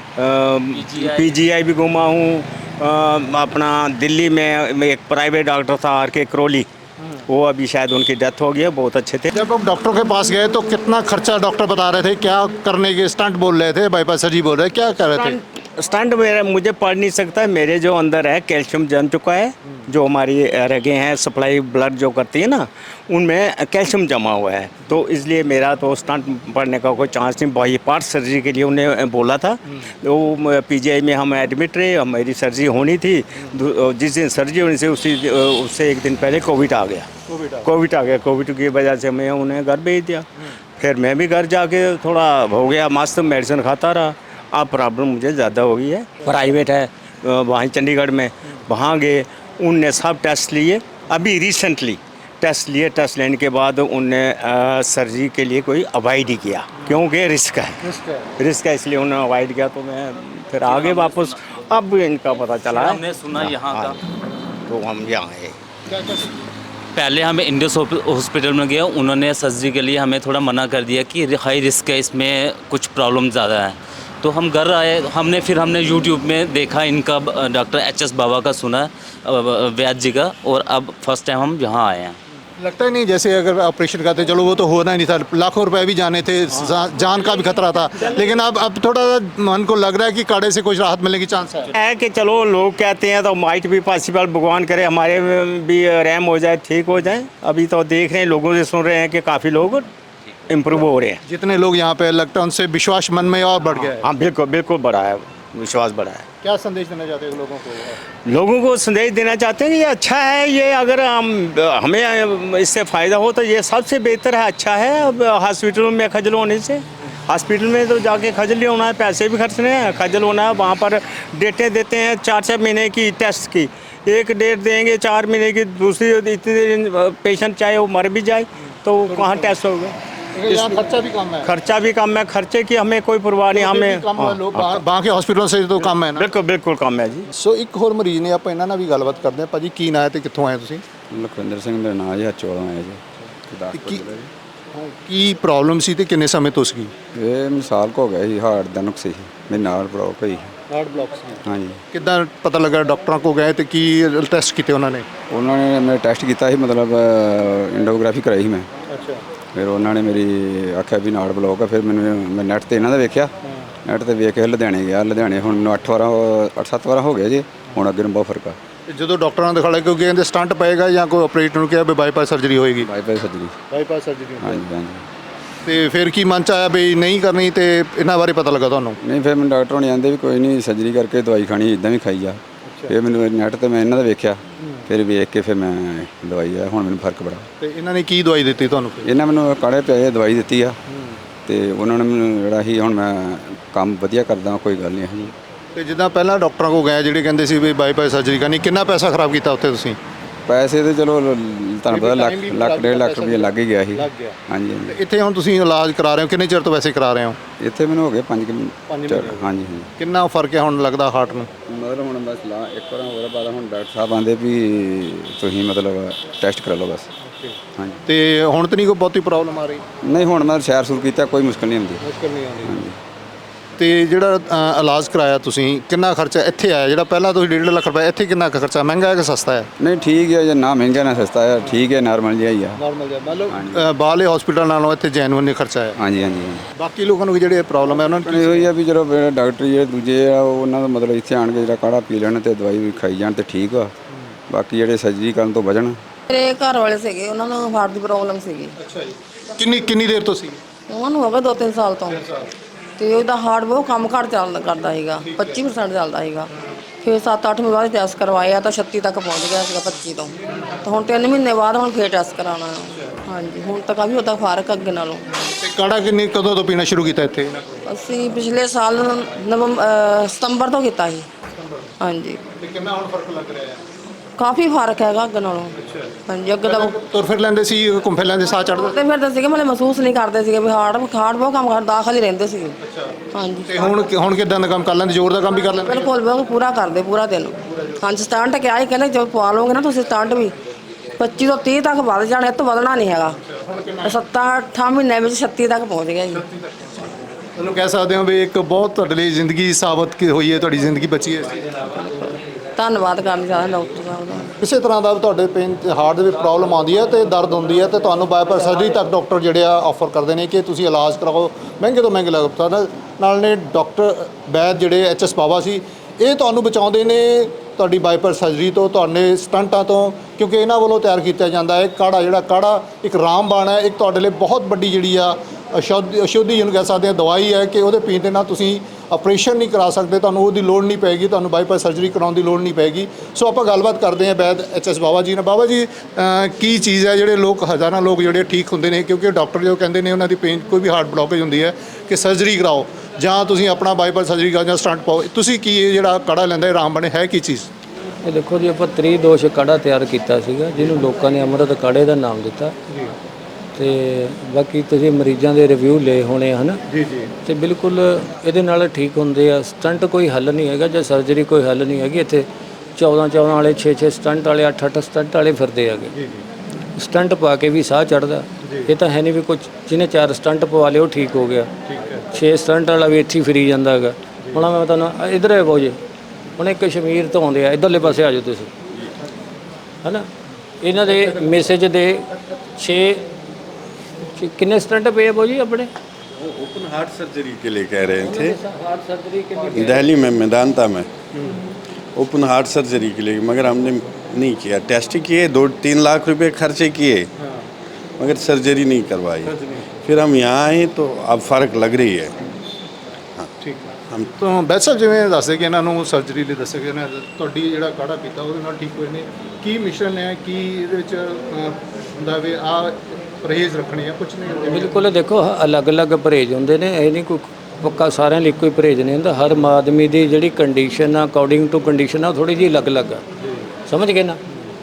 [SPEAKER 1] ओके
[SPEAKER 3] पीजीआई भी घूमा हूँ, अ, अपना दिल्ली में में एक प्राइवेट डॉक्टर था आर के करौली, वो अभी शायद उनकी डेथ हो गई है, बहुत अच्छे थे।
[SPEAKER 1] जब आप डॉक्टर के पास गए तो कितना खर्चा डॉक्टर बता रहे थे, क्या करने के स्टंट बोल रहे थे, बाईपास सर्जरी बोल रहे, क्या कर रहे थे?
[SPEAKER 3] स्टंट मेरा मुझे पढ़ नहीं सकता, मेरे जो अंदर है कैल्शियम जम चुका है, जो हमारी रगें हैं सप्लाई ब्लड जो करती है ना, उनमें कैल्शियम जमा हुआ है, तो इसलिए मेरा तो स्टंट पढ़ने का कोई चांस नहीं। बाई पार्ट सर्जरी के लिए उन्हें बोला था, तो पीजीआई में हम एडमिट रहे, हमारी सर्जरी होनी थी। जिस दिन सर्जरी होने से उसी उससे एक दिन पहले कोविड आ गया, कोविड आ गया, कोविड की वजह से मैं उन्हें घर भेज दिया। फिर मैं भी घर जाके थोड़ा हो गया मस्त, मेडिसिन खाता रहा। अब प्रॉब्लम मुझे ज़्यादा हो गई है, प्राइवेट है वहाँ चंडीगढ़ में, वहाँ गए, उनने सब टेस्ट लिए। अभी रिसेंटली टेस्ट लिए, टेस्ट लेने के बाद उनने सर्जरी के लिए कोई अवॉइड ही किया, क्योंकि रिस्क है, रिस्क है, इसलिए उन्होंने अवॉइड किया। तो मैं फिर आगे वापस, अब इनका पता चला है,
[SPEAKER 7] हमने सुना यहाँ का,
[SPEAKER 3] तो हम यहाँ आए।
[SPEAKER 7] पहले हमें इंडस हॉस्पिटल में गया, उन्होंने सर्जरी के लिए हमें थोड़ा मना कर दिया कि हाई रिस्क है, इसमें कुछ प्रॉब्लम ज़्यादा है। तो हम घर आए, हमने फिर हमने यूट्यूब में देखा इनका, डॉक्टर एच एस बाबा का सुना, वैद्य जी का, और अब फर्स्ट टाइम हम यहाँ आए हैं।
[SPEAKER 1] लगता ही नहीं जैसे अगर ऑपरेशन करते, चलो वो तो होना ही नहीं था, लाखों रुपए भी जाने थे, जा- जान का भी खतरा था, लेकिन अब अब थोड़ा मन को लग रहा है कि काढ़े से कुछ राहत मिलने की चांस है।
[SPEAKER 3] है कि चलो लोग कहते हैं तो माइट भी पॉसिबल, भगवान करे हमारे में भी रैम हो जाए, ठीक हो जाए। अभी तो देख रहे हैं, लोगों से सुन रहे हैं कि काफ़ी लोग इम्प्रूव हो रहे हैं।
[SPEAKER 1] जितने लोग यहाँ पे लगता है उनसे विश्वास मन में और बढ़ गया है।
[SPEAKER 3] हाँ बिल्कुल बिल्कुल बढ़ा है, विश्वास बढ़ा है।
[SPEAKER 1] क्या संदेश देना चाहते हैं लोगों को?
[SPEAKER 3] लोगों को संदेश देना चाहते हैं कि ये अच्छा है, ये अगर हम हमें इससे फ़ायदा हो तो ये सबसे बेहतर है, अच्छा है। अब हॉस्पिटलों में खजल होने से, हॉस्पिटल में तो जाके खजल ही होना है, पैसे भी खर्चने हैं, खजल होना है। वहाँ पर डेटें देते हैं चार चार महीने की टेस्ट की, एक डेट देंगे चार महीने की, दूसरी इतने दिन पेशेंट चाहे वो मर भी जाए तो कहाँ टेस्ट होगा।
[SPEAKER 1] यहाँ खर्चा भी कम है,
[SPEAKER 3] खर्चा भी कम है, खर्चे की हमें कोई परवाह नहीं, हमें
[SPEAKER 1] कम है, लोग बाहर ਬਾਕੀ ਹਸਪੀਟਲਾਂ ਸੇ तो कम है ना।
[SPEAKER 3] बिल्कुल बिल्कुल कम है जी।
[SPEAKER 1] ਸੋ ਇੱਕ ਹੋਰ ਮਰੀਜ਼ ਨੇ, ਆਪਾਂ ਇਹਨਾਂ ਨਾਲ ਵੀ ਗੱਲਬਾਤ ਕਰਦੇ ਹਾਂ। ਭਾਜੀ ਕੀ ਨਾਂ ਹੈ ਤੇ ਕਿੱਥੋਂ ਆਏ ਤੁਸੀਂ?
[SPEAKER 8] ਲਖਵਿੰਦਰ ਸਿੰਘ ਮੇਰਾ ਨਾਮ ਜੀ, ਹਰਚੋਲੋਂ ਆਇਆ ਜੀ, ਗੁਰਦਾਸਪੁਰ
[SPEAKER 1] ਕੀ
[SPEAKER 8] ਜ਼ਿਲ੍ਹਾ ਜੀ।
[SPEAKER 1] ਕੀ ਪ੍ਰੋਬਲਮ ਸੀ ਤੇ ਕਿੰਨੇ ਸਮੇਂ ਤੋਂ ਸੀਗੀ?
[SPEAKER 8] ਇਹ ਮਿਸਾਲ ਕੋ ਗਿਆ ਸੀ, ਹਾਰਟ ਦਾ ਨੁਕਸ ਸੀ, ਮੇਰੇ ਨਾਲ ਬਲੌਕ ਹੋਈ।
[SPEAKER 1] ਹਾਰਟ ਬਲੌਕ ਸੀ।
[SPEAKER 8] ਹਾਂਜੀ,
[SPEAKER 1] ਕਿੱਦਾਂ ਪਤਾ ਲੱਗਾ? ਡਾਕਟਰਾਂ ਕੋ ਗਏ ਤੇ ਕੀ ਟੈਸਟ ਕੀਤੇ ਉਹਨਾਂ ਨੇ?
[SPEAKER 8] ਉਹਨਾਂ ਨੇ ਮੈਂ ਟੈਸਟ ਕੀਤਾ ਸੀ, ਮਤਲਬ ਇੰਡੋਗ੍ਰਾਫੀ ਕਰਾਈ ਸੀ ਮੈਂ।
[SPEAKER 1] ਅੱਛਾ।
[SPEAKER 8] ਫਿਰ ਉਹਨਾਂ ਨੇ ਮੇਰੀ ਆਖਿਆ ਵੀ ਨਾੜ ਬਲੌਕ ਆ। ਫਿਰ ਮੈਨੂੰ ਮੈਂ ਨੈਟ ਤੇ ਇਹਨਾਂ ਦਾ ਵੇਖਿਆ, ਨੈਟ ਤੇ ਵੇਖ ਕੇ ਲੁਧਿਆਣੇ ਗਿਆ। ਲੁਧਿਆਣੇ ਹੁਣ ਮੈਨੂੰ ਅੱਠ ਵਾਰਾਂ ਅੱਠ ਸੱਤ ਵਾਰਾਂ ਹੋ ਗਏ ਜੀ, ਹੁਣ ਅੱਗੇ ਨੂੰ ਬਹੁਤ ਫਰਕ ਆ।
[SPEAKER 1] ਜਦੋਂ ਡਾਕਟਰਾਂ ਨੇ ਦਿਖਾਇਆ ਕਿਉਂਕਿ ਕਹਿੰਦੇ ਸਟੰਟ ਪਏਗਾ ਜਾਂ ਕੋਈ ਆਪਰੇਟ ਨੂੰ ਕਿਹਾ ਵੀ ਬਾਈਪਾਸ ਸਰਜਰੀ ਹੋਏਗੀ?
[SPEAKER 8] Bypass surgery.
[SPEAKER 1] Bypass surgery.
[SPEAKER 8] ਹਾਂਜੀ ਹਾਂਜੀ।
[SPEAKER 1] ਤੇ ਫਿਰ ਕੀ ਮਨ ਚ ਆਇਆ ਵੀ ਨਹੀਂ ਕਰਨੀ, ਤੇ ਇਹਨਾਂ ਬਾਰੇ ਪਤਾ ਲੱਗਾ ਤੁਹਾਨੂੰ?
[SPEAKER 8] ਨਹੀਂ, ਫਿਰ ਮੈਨੂੰ ਡਾਕਟਰ ਹੋਣੀ ਆਂਦੇ ਵੀ ਕੋਈ ਨਹੀਂ, ਸਰਜਰੀ ਕਰਕੇ ਦਵਾਈ ਖਾਣੀ, ਇਦਾਂ ਵੀ ਖਾਈ ਜਾ। ਫਿਰ ਮੈਨੂੰ ਨੈਟ ਤੇ ਮੈਂ ਇਹਨਾਂ ਦਾ ਵੇਖਿਆ, ਫਿਰ ਵੇਖ ਕੇ ਫਿਰ ਮੈਂ ਦਵਾਈ ਆ, ਹੁਣ ਮੈਨੂੰ ਫਰਕ ਬੜਾ।
[SPEAKER 1] ਤੇ ਇਹਨਾਂ ਨੇ ਕੀ ਦਵਾਈ ਦਿੱਤੀ ਤੁਹਾਨੂੰ ਫਿਰ?
[SPEAKER 8] ਇਹਨਾਂ ਮੈਨੂੰ ਕਾੜੇ ਪਿਆਏ ਦਵਾਈ ਦਿੱਤੀ ਆ ਤੇ ਉਹਨਾਂ ਨੇ ਮੈਨੂੰ ਜਿਹੜਾ ਸੀ ਹੁਣ ਮੈਂ ਕੰਮ ਵਧੀਆ ਕਰਦਾ, ਕੋਈ ਗੱਲ ਨਹੀਂ ਹੈ ਜੀ।
[SPEAKER 1] ਤੇ ਜਿੱਦਾਂ ਪਹਿਲਾਂ ਡਾਕਟਰਾਂ ਕੋਲ ਗਏ ਜਿਹੜੇ ਕਹਿੰਦੇ ਸੀ ਵੀ ਬਾਈਪਾਸ ਸਰਜਰੀ ਕਰਨੀ, ਕਿੰਨਾ ਪੈਸਾ ਖਰਾਬ ਕੀਤਾ ਉੱਥੇ ਤੁਸੀਂ?
[SPEAKER 8] ਪੈਸੇ ਤੇ ਚਲੋ ਲ- ਤੁਹਾਨੂੰ ਪਤਾ ਲੱਖ ਲੱਖ ਡੇਢ ਲੱਖ ਰੁਪਏ ਲੱਗ ਹੀ ਗਿਆ ਸੀ।
[SPEAKER 1] ਲੱਗ ਗਿਆ।
[SPEAKER 8] ਹਾਂਜੀ ਹਾਂਜੀ।
[SPEAKER 1] ਤੇ ਇੱਥੇ ਹੁਣ ਤੁਸੀਂ ਇਲਾਜ ਕਰਾ ਰਹੇ ਹੋ, ਕਿੰਨੇ ਚਿਰ ਤੋਂ ਵੈਸੇ ਕਰਾ ਰਹੇ ਹੋ?
[SPEAKER 8] ਇੱਥੇ ਮੈਨੂੰ ਹੋ ਗਏ ਪੰਜ ਕੁ
[SPEAKER 1] ਪੰਜ
[SPEAKER 8] ਮਹੀਨੇ।
[SPEAKER 1] ਮਹੀਨੇ।
[SPEAKER 8] ਹਾਂਜੀ ਹਾਂਜੀ।
[SPEAKER 1] ਕਿੰਨਾ ਫਰਕ ਹੈ ਹੁਣ ਲੱਗਦਾ ਹਾਰਟ ਨੂੰ?
[SPEAKER 8] ਮਤਲਬ ਹੁਣ ਬਸ ਲਾ ਇੱਕ ਵਾਰ ਹੋਰ ਬਾਅਦ ਹੁਣ ਡਾਕਟਰ ਸਾਹਿਬ ਆਂਦੇ ਵੀ ਤੁਸੀਂ ਮਤਲਬ ਟੈਸਟ ਕਰਾ ਲਓ ਬਸ। ਹਾਂਜੀ।
[SPEAKER 1] ਤੇ ਹੁਣ ਤਾਂ ਨਹੀਂ ਕੋਈ ਬਹੁਤੀ ਪ੍ਰੋਬਲਮ ਆ ਰਹੀ?
[SPEAKER 8] ਨਹੀਂ ਹੁਣ ਮੈਂ ਸੈਰ ਸੂਰ ਕੀਤਾ, ਕੋਈ ਮੁਸ਼ਕਲ ਨਹੀਂ ਆਉਂਦੀ।
[SPEAKER 1] ਮੁਸ਼ਕਲ ਨਹੀਂ ਆਉਂਦੀ। ਤੇ ਜਿਹੜਾ ਅ, ਇਲਾਜ ਕਰਾਇਆ ਤੁਸੀਂ, ਕਿੰਨਾ ਖਰਚਾ ਇੱਥੇ ਆਇਆ? ਜਿਹੜਾ ਪਹਿਲਾਂ ਤੁਸੀਂ ਡੇਢ ਲੱਖ ਰੁਪਏ, ਇੱਥੇ ਕਿੰਨਾ ਕੁ ਖਰਚਾ? ਮਹਿੰਗਾ ਹੈ ਕਿ ਸਸਤਾ ਹੈ?
[SPEAKER 8] ਨਹੀਂ ਠੀਕ ਹੈ, ਜੇ ਨਾ ਮਹਿੰਗਾ ਨਾ ਸਸਤਾ ਹੈ, ਠੀਕ ਹੈ, ਨਾਰਮਲ ਜਿਹਾ ਹੀ ਆ।
[SPEAKER 1] ਨਾਰਮਲ ਜਿਹਾ ਮਤਲਬ ਬਾਹਰਲੇ ਹਸਪੀਟਲ ਨਾਲੋਂ ਇੱਥੇ ਜੈਨੂਇਨ ਨਹੀਂ ਖਰਚਾ ਹੈ।
[SPEAKER 8] ਹਾਂਜੀ ਹਾਂਜੀ।
[SPEAKER 1] ਬਾਕੀ ਲੋਕਾਂ ਨੂੰ ਜਿਹੜੇ ਪ੍ਰੋਬਲਮ ਹੈ ਉਹਨਾਂ ਨੂੰ
[SPEAKER 8] ਇਹ ਹੋਈ ਆ ਵੀ ਜਦੋਂ ਜਿਹੜੇ ਡਾਕਟਰ ਜਿਹੜੇ ਦੂਜੇ ਆ ਉਹਨਾਂ ਦਾ ਮਤਲਬ ਇੱਥੇ ਆਣ ਕੇ ਜਿਹੜਾ ਕਾੜਾ ਪੀ ਲੈਣ ਤੇ ਦਵਾਈ ਵੀ ਖਾਈ ਜਾਣ ਤੇ ਠੀਕ ਆ। ਬਾਕੀ ਜਿਹੜੇ ਸਰਜਰੀ ਕਰਨ ਤੋਂ ਬਚਣ।
[SPEAKER 9] ਮੇਰੇ ਘਰ ਵਾਲੇ ਸੀਗੇ, ਉਹਨਾਂ ਨੂੰ ਹਾਰਟ ਦੀ ਪ੍ਰੋਬਲਮ ਸੀਗੀ।
[SPEAKER 1] ਅੱਛਾ ਜੀ। ਕਿੰਨੀ ਕਿੰਨੀ ਦੇਰ ਤੋਂ ਸੀ?
[SPEAKER 9] ਉਹਨਾਂ ਨੂੰ ਹੋ ਗਿਆ ਦੋ ਤਿੰਨ ਸਾਲ ਤੋਂ, ਤੇ ਉਹਦਾ ਹਾਰਟ ਬਹੁਤ ਕੰਮ ਘੱਟ ਚੱਲਦਾ ਕਰਦਾ ਸੀਗਾ, ਪੱਚੀ ਪਰਸੈਂਟ ਚੱਲਦਾ ਸੀਗਾ। ਫਿਰ ਸੱਤ ਅੱਠ ਮਹੀਨੇ ਬਾਅਦ ਟੈਸਟ ਕਰਵਾਇਆ ਤਾਂ ਛੱਤੀ ਤੱਕ ਪਹੁੰਚ ਗਿਆ ਸੀਗਾ, ਪੱਚੀ ਤੋਂ। ਤਾਂ ਹੁਣ ਤਿੰਨ ਮਹੀਨੇ ਬਾਅਦ ਹੁਣ ਫਿਰ ਟੈਸਟ ਕਰਾਉਣਾ। ਹਾਂਜੀ, ਹੁਣ ਤਾਂ ਕਾਫੀ ਉਹਦਾ ਫਰਕ ਅੱਗੇ ਨਾਲੋਂ।
[SPEAKER 1] ਤੇ ਕਾੜਾ ਕਿੰਨੀ ਕਦੋਂ ਤੋਂ ਪੀਣਾ ਸ਼ੁਰੂ ਕੀਤਾ ਇੱਥੇ?
[SPEAKER 9] ਅਸੀਂ ਪਿਛਲੇ ਸਾਲ ਨਵੰਬਰ ਸਤੰਬਰ ਤੋਂ ਕੀਤਾ ਸੀ। ਹਾਂਜੀ।
[SPEAKER 1] ਤੇ ਕਿੰਨਾ ਹੁਣ ਫਰਕ ਲੱਗ ਰਿਹਾ ਹੈ?
[SPEAKER 9] ਕਾਫੀ ਫਰਕ ਹੈਗਾ ਅੱਗੇ ਨਾਲੋਂ। ਹਾਂਜੀ, ਅੱਗੇ ਦਾ
[SPEAKER 1] ਤੁਰ ਫਿਰ ਲੈਂਦੇ ਸੀ, ਘੁੰਮ ਫਿਰ ਲੈਂਦੇ, ਸਾਹ ਚੜ੍ਹਦਾ?
[SPEAKER 9] ਤੇ ਫਿਰਦੇ ਸੀਗੇ, ਮਤਲਬ ਮਹਿਸੂਸ ਨਹੀਂ ਕਰਦੇ ਸੀਗੇ ਵੀ ਹਾਰਟ ਹਾਰਟ ਬਹੁਤ ਕੰਮ ਕਰ ਦਾਖਲ ਹੀ ਰਹਿੰਦੇ ਸੀਗੇ। ਹਾਂਜੀ।
[SPEAKER 1] ਤੇ ਹੁਣ ਹੁਣ ਕਿਦਾਂ ਦਾ ਕੰਮ ਕਰ ਲੈਂਦੇ? ਜ਼ੋਰ ਦਾ ਕੰਮ ਵੀ ਕਰ ਲੈਂਦੇ?
[SPEAKER 9] ਬਿਲਕੁਲ ਬਿਲਕੁਲ ਪੂਰਾ ਕਰਦੇ ਪੂਰਾ ਦਿਨ। ਹਾਂਜੀ, ਸਟੰਟ ਕਿਹਾ ਹੀ ਕਹਿੰਦੇ ਜਦੋਂ ਪਵਾ ਲਓਗੇ ਨਾ ਤੁਸੀਂ ਸਟੰਟ ਵੀ ਪੱਚੀ ਤੋਂ ਤੀਹ ਤੱਕ ਵੱਧ ਜਾਣਾ, ਇਹ ਤੋਂ ਵਧਣਾ ਨਹੀਂ ਹੈਗਾ। ਸੱਤਾਂ ਅੱਠਾਂ ਮਹੀਨਿਆਂ ਵਿੱਚ ਛੱਤੀ ਤੱਕ ਪਹੁੰਚ ਗਿਆ ਜੀ।
[SPEAKER 1] ਤੁਹਾਨੂੰ ਕਹਿ ਸਕਦੇ ਹੋ ਵੀ ਇੱਕ ਬਹੁਤ ਤੁਹਾਡੇ ਲਈ ਜ਼ਿੰਦਗੀ ਸਾਬਤ ਕੀ ਹੋਈ ਹੈ, ਤੁਹਾਡੀ ਜ਼ਿੰਦਗੀ ਬਚੀ ਹੈ।
[SPEAKER 9] ਧੰਨਵਾਦ ਕਰਨਾ ਚਾਹੁੰਦਾ ਡਾਕਟਰ ਸਾਹਿਬ ਦਾ।
[SPEAKER 1] ਕਿਸੇ ਤਰ੍ਹਾਂ ਦਾ ਤੁਹਾਡੇ ਪੇਨ ਹਾਰਟ ਦੇ ਵਿੱਚ ਪ੍ਰੋਬਲਮ ਆਉਂਦੀ ਹੈ ਤੇ ਦਰਦ ਹੁੰਦੀ ਹੈ ਤੇ ਤੁਹਾਨੂੰ ਬਾਈਪਾਸ ਸਰਜਰੀ ਤੱਕ ਡਾਕਟਰ ਜਿਹੜੇ ਆ ਆਫਰ ਕਰਦੇ ਨੇ ਕਿ ਤੁਸੀਂ ਇਲਾਜ ਕਰਾਓ, ਮਹਿੰਗੇ ਤੋਂ ਮਹਿੰਗੇ ਇਲਾਜ। ਨਾਲ ਨੇ ਡਾਕਟਰ ਵੈਦ ਜਿਹੜੇ ਐਚ ਐਸ ਬਾਵਾ ਸੀ, ਇਹ ਤੁਹਾਨੂੰ ਬਚਾਉਂਦੇ ਨੇ ਤੁਹਾਡੀ ਬਾਈਪਾਸ ਸਰਜਰੀ ਤੋਂ, ਤੁਹਾਡੇ ਸਟੰਟਾਂ ਤੋਂ, ਕਿਉਂਕਿ ਇਹਨਾਂ ਵੱਲੋਂ ਤਿਆਰ ਕੀਤਾ ਜਾਂਦਾ ਹੈ ਕਾੜਾ। ਜਿਹੜਾ ਕਾੜਾ ਇੱਕ ਰਾਮਬਾਣ ਹੈ, ਇੱਕ ਤੁਹਾਡੇ ਲਈ ਬਹੁਤ ਵੱਡੀ ਜਿਹੜੀ ਆ ਅਸ਼ੁੱਧ ਅਸ਼ੁੱਧੀ ਜਿਹਨੂੰ ਕਹਿ ਸਕਦੇ ਹਾਂ ਦਵਾਈ ਹੈ ਕਿ ਉਹਦੇ ਪੀਣ ਦੇ ਨਾਲ ਤੁਸੀਂ ਆਪਰੇਸ਼ਨ ਨਹੀਂ ਕਰਾ ਸਕਦੇ, ਤੁਹਾਨੂੰ ਉਹਦੀ ਲੋੜ ਨਹੀਂ ਪਏਗੀ, ਤੁਹਾਨੂੰ ਬਾਈਪਾਸ ਸਰਜਰੀ ਕਰਾਉਣ ਦੀ ਲੋੜ ਨਹੀਂ ਪਏਗੀ। ਸੋ ਆਪਾਂ ਗੱਲਬਾਤ ਕਰਦੇ ਹਾਂ ਵੈਦ ਐਚ ਐਸ ਬਾਵਾ ਜੀ ਨਾਲ। ਬਾਵਾ ਜੀ, ਅ, ਕੀ ਚੀਜ਼ ਹੈ ਜਿਹੜੇ ਲੋਕ ਹਜ਼ਾਰਾਂ ਲੋਕ ਜਿਹੜੇ ਠੀਕ ਹੁੰਦੇ ਨੇ, ਕਿਉਂਕਿ ਡਾਕਟਰ ਜੋ ਕਹਿੰਦੇ ਨੇ ਉਹਨਾਂ ਦੀ ਪੇਨ ਕੋਈ ਵੀ ਹਾਰਟ ਬਲੋਕੇਜ ਹੁੰਦੀ ਹੈ ਕਿ ਸਰਜਰੀ ਕਰਾਓ ਜਾਂ ਤੁਸੀਂ ਆਪਣਾ ਬਾਈਪਾਸ ਸਰਜਰੀ ਕਰਾਓ ਜਾਂ ਸਟੰਟ ਪਾਓ, ਤੁਸੀਂ ਕੀ ਇਹ ਜਿਹੜਾ ਕਾੜਾ ਲੈਂਦਾ ਇਹ ਰਾਮ ਬਣੇ ਹੈ ਕੀ ਚੀਜ਼?
[SPEAKER 10] ਇਹ ਦੇਖੋ ਜੀ, ਆਪਾਂ ਤ੍ਰਿਦੋਸ਼ ਕਾੜਾ ਤਿਆਰ ਕੀਤਾ ਸੀਗਾ ਜਿਹਨੂੰ ਲੋਕਾਂ ਨੇ ਅੰਮ੍ਰਿਤ ਕਾੜੇ ਦਾ ਨਾਮ ਦਿੱਤਾ। ਤੇ ਬਾਕੀ ਤੁਸੀਂ ਮਰੀਜ਼ਾਂ ਦੇ ਰਿਵਿਊ ਲਏ ਹੋਣੇ ਹਨ
[SPEAKER 1] ਜੀ ਜੀ।
[SPEAKER 10] ਤੇ ਬਿਲਕੁਲ ਇਹਦੇ ਨਾਲ ਠੀਕ ਹੁੰਦੇ ਆ। ਸਟੰਟ ਕੋਈ ਹੱਲ ਨਹੀਂ ਹੈਗਾ ਜਾਂ ਸਰਜਰੀ ਕੋਈ ਹੱਲ ਨਹੀਂ ਹੈਗੀ। ਇੱਥੇ ਚੌਦਾਂ ਚੌਦਾਂ ਵਾਲੇ ਛੇ ਛੇ ਸਟੰਟ ਵਾਲੇ ਅੱਠ ਅੱਠ ਸਟੰਟ ਵਾਲੇ ਫਿਰਦੇ ਹੈਗੇ।
[SPEAKER 1] ਜੀ ਜੀ।
[SPEAKER 10] ਸਟੰਟ ਪਾ ਕੇ ਵੀ ਸਾਹ ਚੜਦਾ। ਇਹ ਤਾਂ ਹੈ ਨਹੀਂ ਵੀ ਕੁਝ ਜਿਹਨੇ ਚਾਰ ਸਟੰਟ ਪਵਾ ਲਏ ਉਹ ਠੀਕ ਹੋ ਗਿਆ।
[SPEAKER 1] ਠੀਕ ਹੈ।
[SPEAKER 10] ਛੇ ਸਟੰਟ ਵਾਲਾ ਵੀ ਇੱਥੇ ਹੀ ਫਿਰੀ ਜਾਂਦਾ ਹੈਗਾ। ਹੁਣ ਮੈਂ ਤੁਹਾਨੂੰ ਇੱਧਰ ਹੈ ਬਾਊ ਜੀ, ਹੁਣ ਇਹ ਕਸ਼ਮੀਰ ਤੋਂ ਆਉਂਦੇ ਆ, ਇੱਧਰਲੇ ਪਾਸੇ ਆ ਜਾਓ ਤੁਸੀਂ, ਹੈ ਨਾ। ਇਹਨਾਂ ਦੇ ਮੈਸੇਜ ਦੇ ਛੇ कितने स्टंट पे है जी अपने?
[SPEAKER 2] ओपन हार्ट सर्जरी के लिए कह रहे थे,
[SPEAKER 10] हार्ट सर्जरी के लिए
[SPEAKER 2] दिल्ली में मेदांता में ओपन हार्ट सर्जरी के लिए, मगर हमने नहीं किया। टेस्ट किए, दो तीन लाख रुपए खर्चे किए, मगर सर्जरी नहीं करवाई। फिर हम यहाँ आए तो अब फ़र्क लग रही है। हाँ
[SPEAKER 1] ठीक है।
[SPEAKER 2] हम
[SPEAKER 1] ਤਾਂ ਵੈਦ ਸਾਹਿਬ ਜਿਵੇਂ ਦੱਸਦੇ ਕਿ ਇਹਨਾਂ ਨੂੰ ਸਰਜਰੀ ਲਈ ਦੱਸਿਆ ਗਿਆ ਨਾ, ਤੁਹਾਡੀ ਜਿਹੜਾ ਕਾੜਾ ਪੀਤਾ ਉਹਦੇ ਨਾਲ ਠੀਕ ਹੋਏ ਨੇ, ਕੀ ਮਿਸ਼ਨ ਹੈ, ਕੀ ਇਹਦੇ ਵਿੱਚ ਅ, ਹੁੰਦਾ ਵੀ ਆ ਪਰਹੇਜ਼ ਰੱਖਣੇ ਆ, ਕੁਝ ਨਹੀਂ?
[SPEAKER 10] ਬਿਲਕੁਲ ਦੇਖੋ, ਅਲੱਗ-ਅਲੱਗ ਪਰਹੇਜ਼ ਹੁੰਦੇ ਨੇ, ਇਹ ਨਹੀਂ ਕੋਈ ਪੱਕਾ ਸਾਰਿਆਂ ਲਈ ਇੱਕੋ ਹੀ ਪਰਹੇਜ਼ ਨਹੀਂ ਹੁੰਦਾ। ਹਰ ਆਦਮੀ ਦੀ ਜਿਹੜੀ ਕੰਡੀਸ਼ਨ ਆ, ਅਕੋਰਡਿੰਗ ਟੂ ਕੰਡੀਸ਼ਨ ਆ, ਥੋੜੀ ਜਿਹੀ ਅਲੱਗ-ਅਲੱਗ ਆ। ਸਮਝ ਗਏ ਨਾ?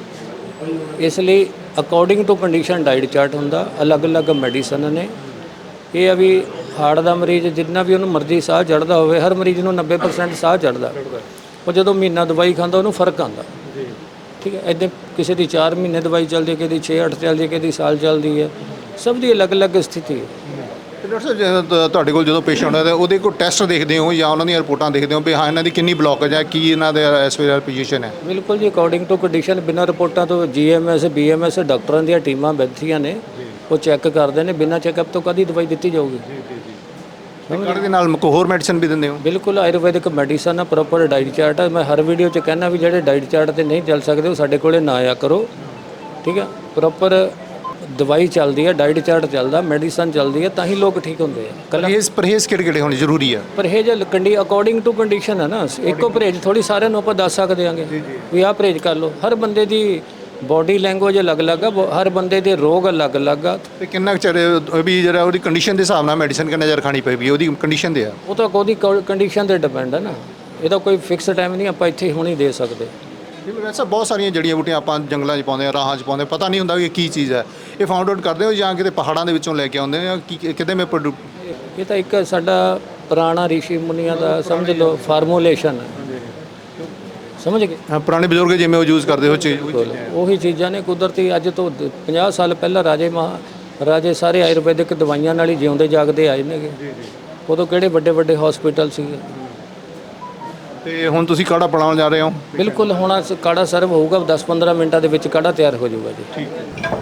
[SPEAKER 10] ਇਸ ਲਈ according to condition diet chart ਹੁੰਦਾ, ਅਲੱਗ-ਅਲੱਗ ਮੈਡੀਸਨ ਨੇ। ਇਹ ਆ ਵੀ ਹਾਰਟ ਦਾ ਮਰੀਜ਼ ਜਿੰਨਾ ਵੀ ਉਹਨੂੰ ਮਰਜ਼ੀ ਸਾਹ ਚੜ੍ਹਦਾ ਹੋਵੇ, ਹਰ ਮਰੀਜ਼ ਨੂੰ ਨੱਬੇ ਪਰਸੈਂਟ ਸਾਹ ਚੜ੍ਹਦਾ, ਉਹ ਜਦੋਂ ਮਹੀਨਾ ਦਵਾਈ ਖਾਂਦਾ ਉਹਨੂੰ ਫਰਕ ਆਉਂਦਾ। ਠੀਕ ਹੈ। ਇੱਦਾਂ ਕਿਸੇ ਦੀ ਚਾਰ ਮਹੀਨੇ ਦਵਾਈ ਚੱਲਦੀ ਹੈ, ਕਿਸੇ ਦੀ ਛੇ ਅੱਠ ਚੱਲਦੀ ਹੈ, ਕਿਸੇ ਦੀ ਸਾਲ ਚੱਲਦੀ ਹੈ। ਸਭ ਦੀ ਅਲੱਗ-ਅਲੱਗ ਸਥਿਤੀ ਹੈ।
[SPEAKER 1] ਤੇ ਡਾਕਟਰ ਸਾਹਿਬ, ਜਦੋਂ ਤ- ਤੁਹਾਡੇ ਕੋਲ ਜਦੋਂ ਪੇਸ਼ੈਂਟ ਆਉਂਦਾ ਉਹਦੇ ਕੋਲ ਟੈਸਟ ਦੇਖਦੇ ਹੋ ਜਾਂ ਉਹਨਾਂ ਦੀਆਂ ਰਿਪੋਰਟਾਂ ਦੇਖਦੇ ਹੋ ਵੀ ਹਾਂ ਇਹਨਾਂ ਦੀ ਕਿੰਨੀ ਬਲੋਕੇਜ ਹੈ, ਕੀ ਇਹਨਾਂ ਦੇ ਇਸ ਵੇਲੇ ਪੋਜੀਸ਼ਨ ਹੈ?
[SPEAKER 10] ਬਿਲਕੁਲ ਜੀ, ਅਕੋਰਡਿੰਗ ਟੂ ਕੰਡੀਸ਼ਨ, ਬਿਨਾਂ ਰਿਪੋਰਟਾਂ ਤੋਂ ਜੀ M S B M S ਡਾਕਟਰਾਂ ਦੀਆਂ ਟੀਮਾਂ ਬੈਠੀਆਂ ਨੇ, ਉਹ ਚੈੱਕ ਕਰਦੇ ਨੇ। ਬਿਨਾਂ ਚੈੱਕਅਪ ਤੋਂ ਕਦੀ ਦਵਾਈ ਦਿੱਤੀ ਜਾਊਗੀ?
[SPEAKER 1] ਕਾੜੇ ਦੇ ਨਾਲ ਕੋਈ ਹੋਰ ਮੈਡੀਸਨ ਵੀ ਦਿੰਦੇ ਹੋ?
[SPEAKER 10] ਬਿਲਕੁਲ, ਆਯੁਰਵੈਦਿਕ ਮੈਡੀਸਨ ਆ, ਪ੍ਰੋਪਰ ਡਾਈਟ ਚਾਰਟ ਹੈ। ਮੈਂ ਹਰ ਵੀਡੀਓ 'ਚ ਕਹਿੰਦਾ ਵੀ ਜਿਹੜੇ ਡਾਈਟ ਚਾਰਟ ਤੇ ਨਹੀਂ ਚੱਲ ਸਕਦੇ ਉਹ ਸਾਡੇ ਕੋਲੇ ਨਾ ਆਇਆ ਕਰੋ। ਠੀਕ ਹੈ। ਪ੍ਰੋਪਰ ਦਵਾਈ ਚੱਲਦੀ ਹੈ, ਡਾਈਟ ਚਾਰਟ ਚੱਲਦਾ, ਮੈਡੀਸਨ ਚੱਲਦੀ ਹੈ, ਤਾਂ ਹੀ ਲੋਕ ਠੀਕ ਹੁੰਦੇ ਆ। ਕੱਲਾ
[SPEAKER 1] ਪਰਹੇਜ਼ ਪਰਹੇਜ਼ ਕਿਹੜੇ ਕਿਹੜੇ ਹੋਣੇ ਜ਼ਰੂਰੀ ਆ?
[SPEAKER 10] ਪਰਹੇਜ ਕੰਡੀ ਅਕੋਰਡਿੰਗ ਟੂ ਕੰਡੀਸ਼ਨ ਹੈ ਨਾ, ਇੱਕੋ ਪਰਹੇਜ ਥੋੜੀ ਸਾਰਿਆਂ ਨੂੰ ਆਪਾਂ ਦੱਸ ਸਕਦੇ ਆਂਗੇ ਵੀ ਆਹ ਪਰਹੇਜ ਕਰ ਲਓ। ਹਰ ਬੰਦੇ ਦੀ ਬੋਡੀ ਲੈਂਗੁਏਜ ਅਲੱਗ-ਅਲੱਗ ਆ, ਬ- ਹਰ ਬੰਦੇ ਦੇ ਰੋਗ ਅਲੱਗ-ਅਲੱਗ ਆ।
[SPEAKER 1] ਤੇ ਕਿੰਨਾ ਕੁ ਚਿਰ ਇਹ ਵੀ ਜਿਹੜਾ ਉਹਦੀ ਕੰਡੀਸ਼ਨ ਦੇ ਹਿਸਾਬ ਨਾਲ ਮੈਡੀਸਨ ਕਿੰਨਾ ਚਿਰ ਖਾਣੀ ਪਏਗੀ, ਉਹਦੀ ਕੰਡੀਸ਼ਨ ਦੇ ਆ।
[SPEAKER 10] ਉਹ ਤਾਂ ਉਹਦੀ ਕੰਡੀਸ਼ਨ ਤੇ ਡਿਪੈਂਡ ਹੈ ਨਾ, ਇਹਦਾ ਕੋਈ ਫਿਕਸ ਟਾਈਮ ਨਹੀਂ ਆਪਾਂ ਇੱਥੇ ਹੁਣੀ ਦੇ ਸਕਦੇ।
[SPEAKER 1] ਵੈਸੇ ਬਹੁਤ ਸਾਰੀਆਂ ਜੜੀਆਂ ਬੂਟੀਆਂ ਆਪਾਂ ਜੰਗਲਾਂ 'ਚ ਪਾਉਂਦੇ ਆ, ਰਾਹਾਂ 'ਚ ਪਾਉਂਦੇ, ਪਤਾ ਨਹੀਂ ਹੁੰਦਾ ਕਿ ਕੀ ਚੀਜ਼ ਹੈ। ਇਹ ਫਾਊਂਡ ਆਊਟ ਕਰਦੇ ਹੋ ਜਾਂ ਕਿਤੇ ਪਹਾੜਾਂ ਦੇ ਵਿੱਚੋਂ ਲੈ ਕੇ ਆਉਂਦੇ ਹੋ, ਕੀ ਕਿਤੇ ਮੈਂ ਪ੍ਰੋਡੂ
[SPEAKER 10] ਇਹ ਤਾਂ ਇੱਕ ਸਾਡਾ ਪੁਰਾਣਾ ਰਿਸ਼ੀ ਮੁਨੀਆਂ ਦਾ ਸਮਝ ਲਓ ਫਾਰਮੂਲੇਸ਼ਨ ਹੈ, ਸਮਝ ਗਏ।
[SPEAKER 1] ਹਾਂ, ਪੁਰਾਣੇ ਬਜ਼ੁਰਗ ਜਿਵੇਂ ਉਹ ਯੂਜ਼ ਕਰਦੇ ਹੋ ਚੀਜ਼
[SPEAKER 10] ਉਹੀ ਚੀਜ਼ਾਂ ਨੇ ਕੁਦਰਤੀ। ਅੱਜ ਤੋਂ ਦ- ਪੰਜਾਹ ਸਾਲ ਪਹਿਲਾਂ ਰਾਜੇ ਮਹਾ ਰਾਜੇ ਸਾਰੇ ਆਯੁਰਵੈਦਿਕ ਦਵਾਈਆਂ ਨਾਲ ਹੀ ਜਿਉਂਦੇ ਜਾਗਦੇ ਆਏ ਨੇਗੇ। ਉਦੋਂ ਕਿਹੜੇ ਵੱਡੇ ਵੱਡੇ ਹਸਪੀਟਲ ਸੀਗੇ।
[SPEAKER 1] ਤੇ ਹੁਣ ਤੁਸੀਂ ਕਾੜਾ ਬਣਾਉਣ ਜਾ ਰਹੇ ਹੋ?
[SPEAKER 10] ਬਿਲਕੁਲ, ਹੁਣ ਅਸ- ਕਾੜਾ ਸਰਵ ਹੋਊਗਾ, ਦਸ ਪੰਦਰਾਂ ਮਿੰਟਾਂ ਦੇ ਵਿੱਚ ਕਾੜਾ ਤਿਆਰ ਹੋ ਜਾਊਗਾ ਜੀ।
[SPEAKER 1] ਠੀਕ ਹੈ।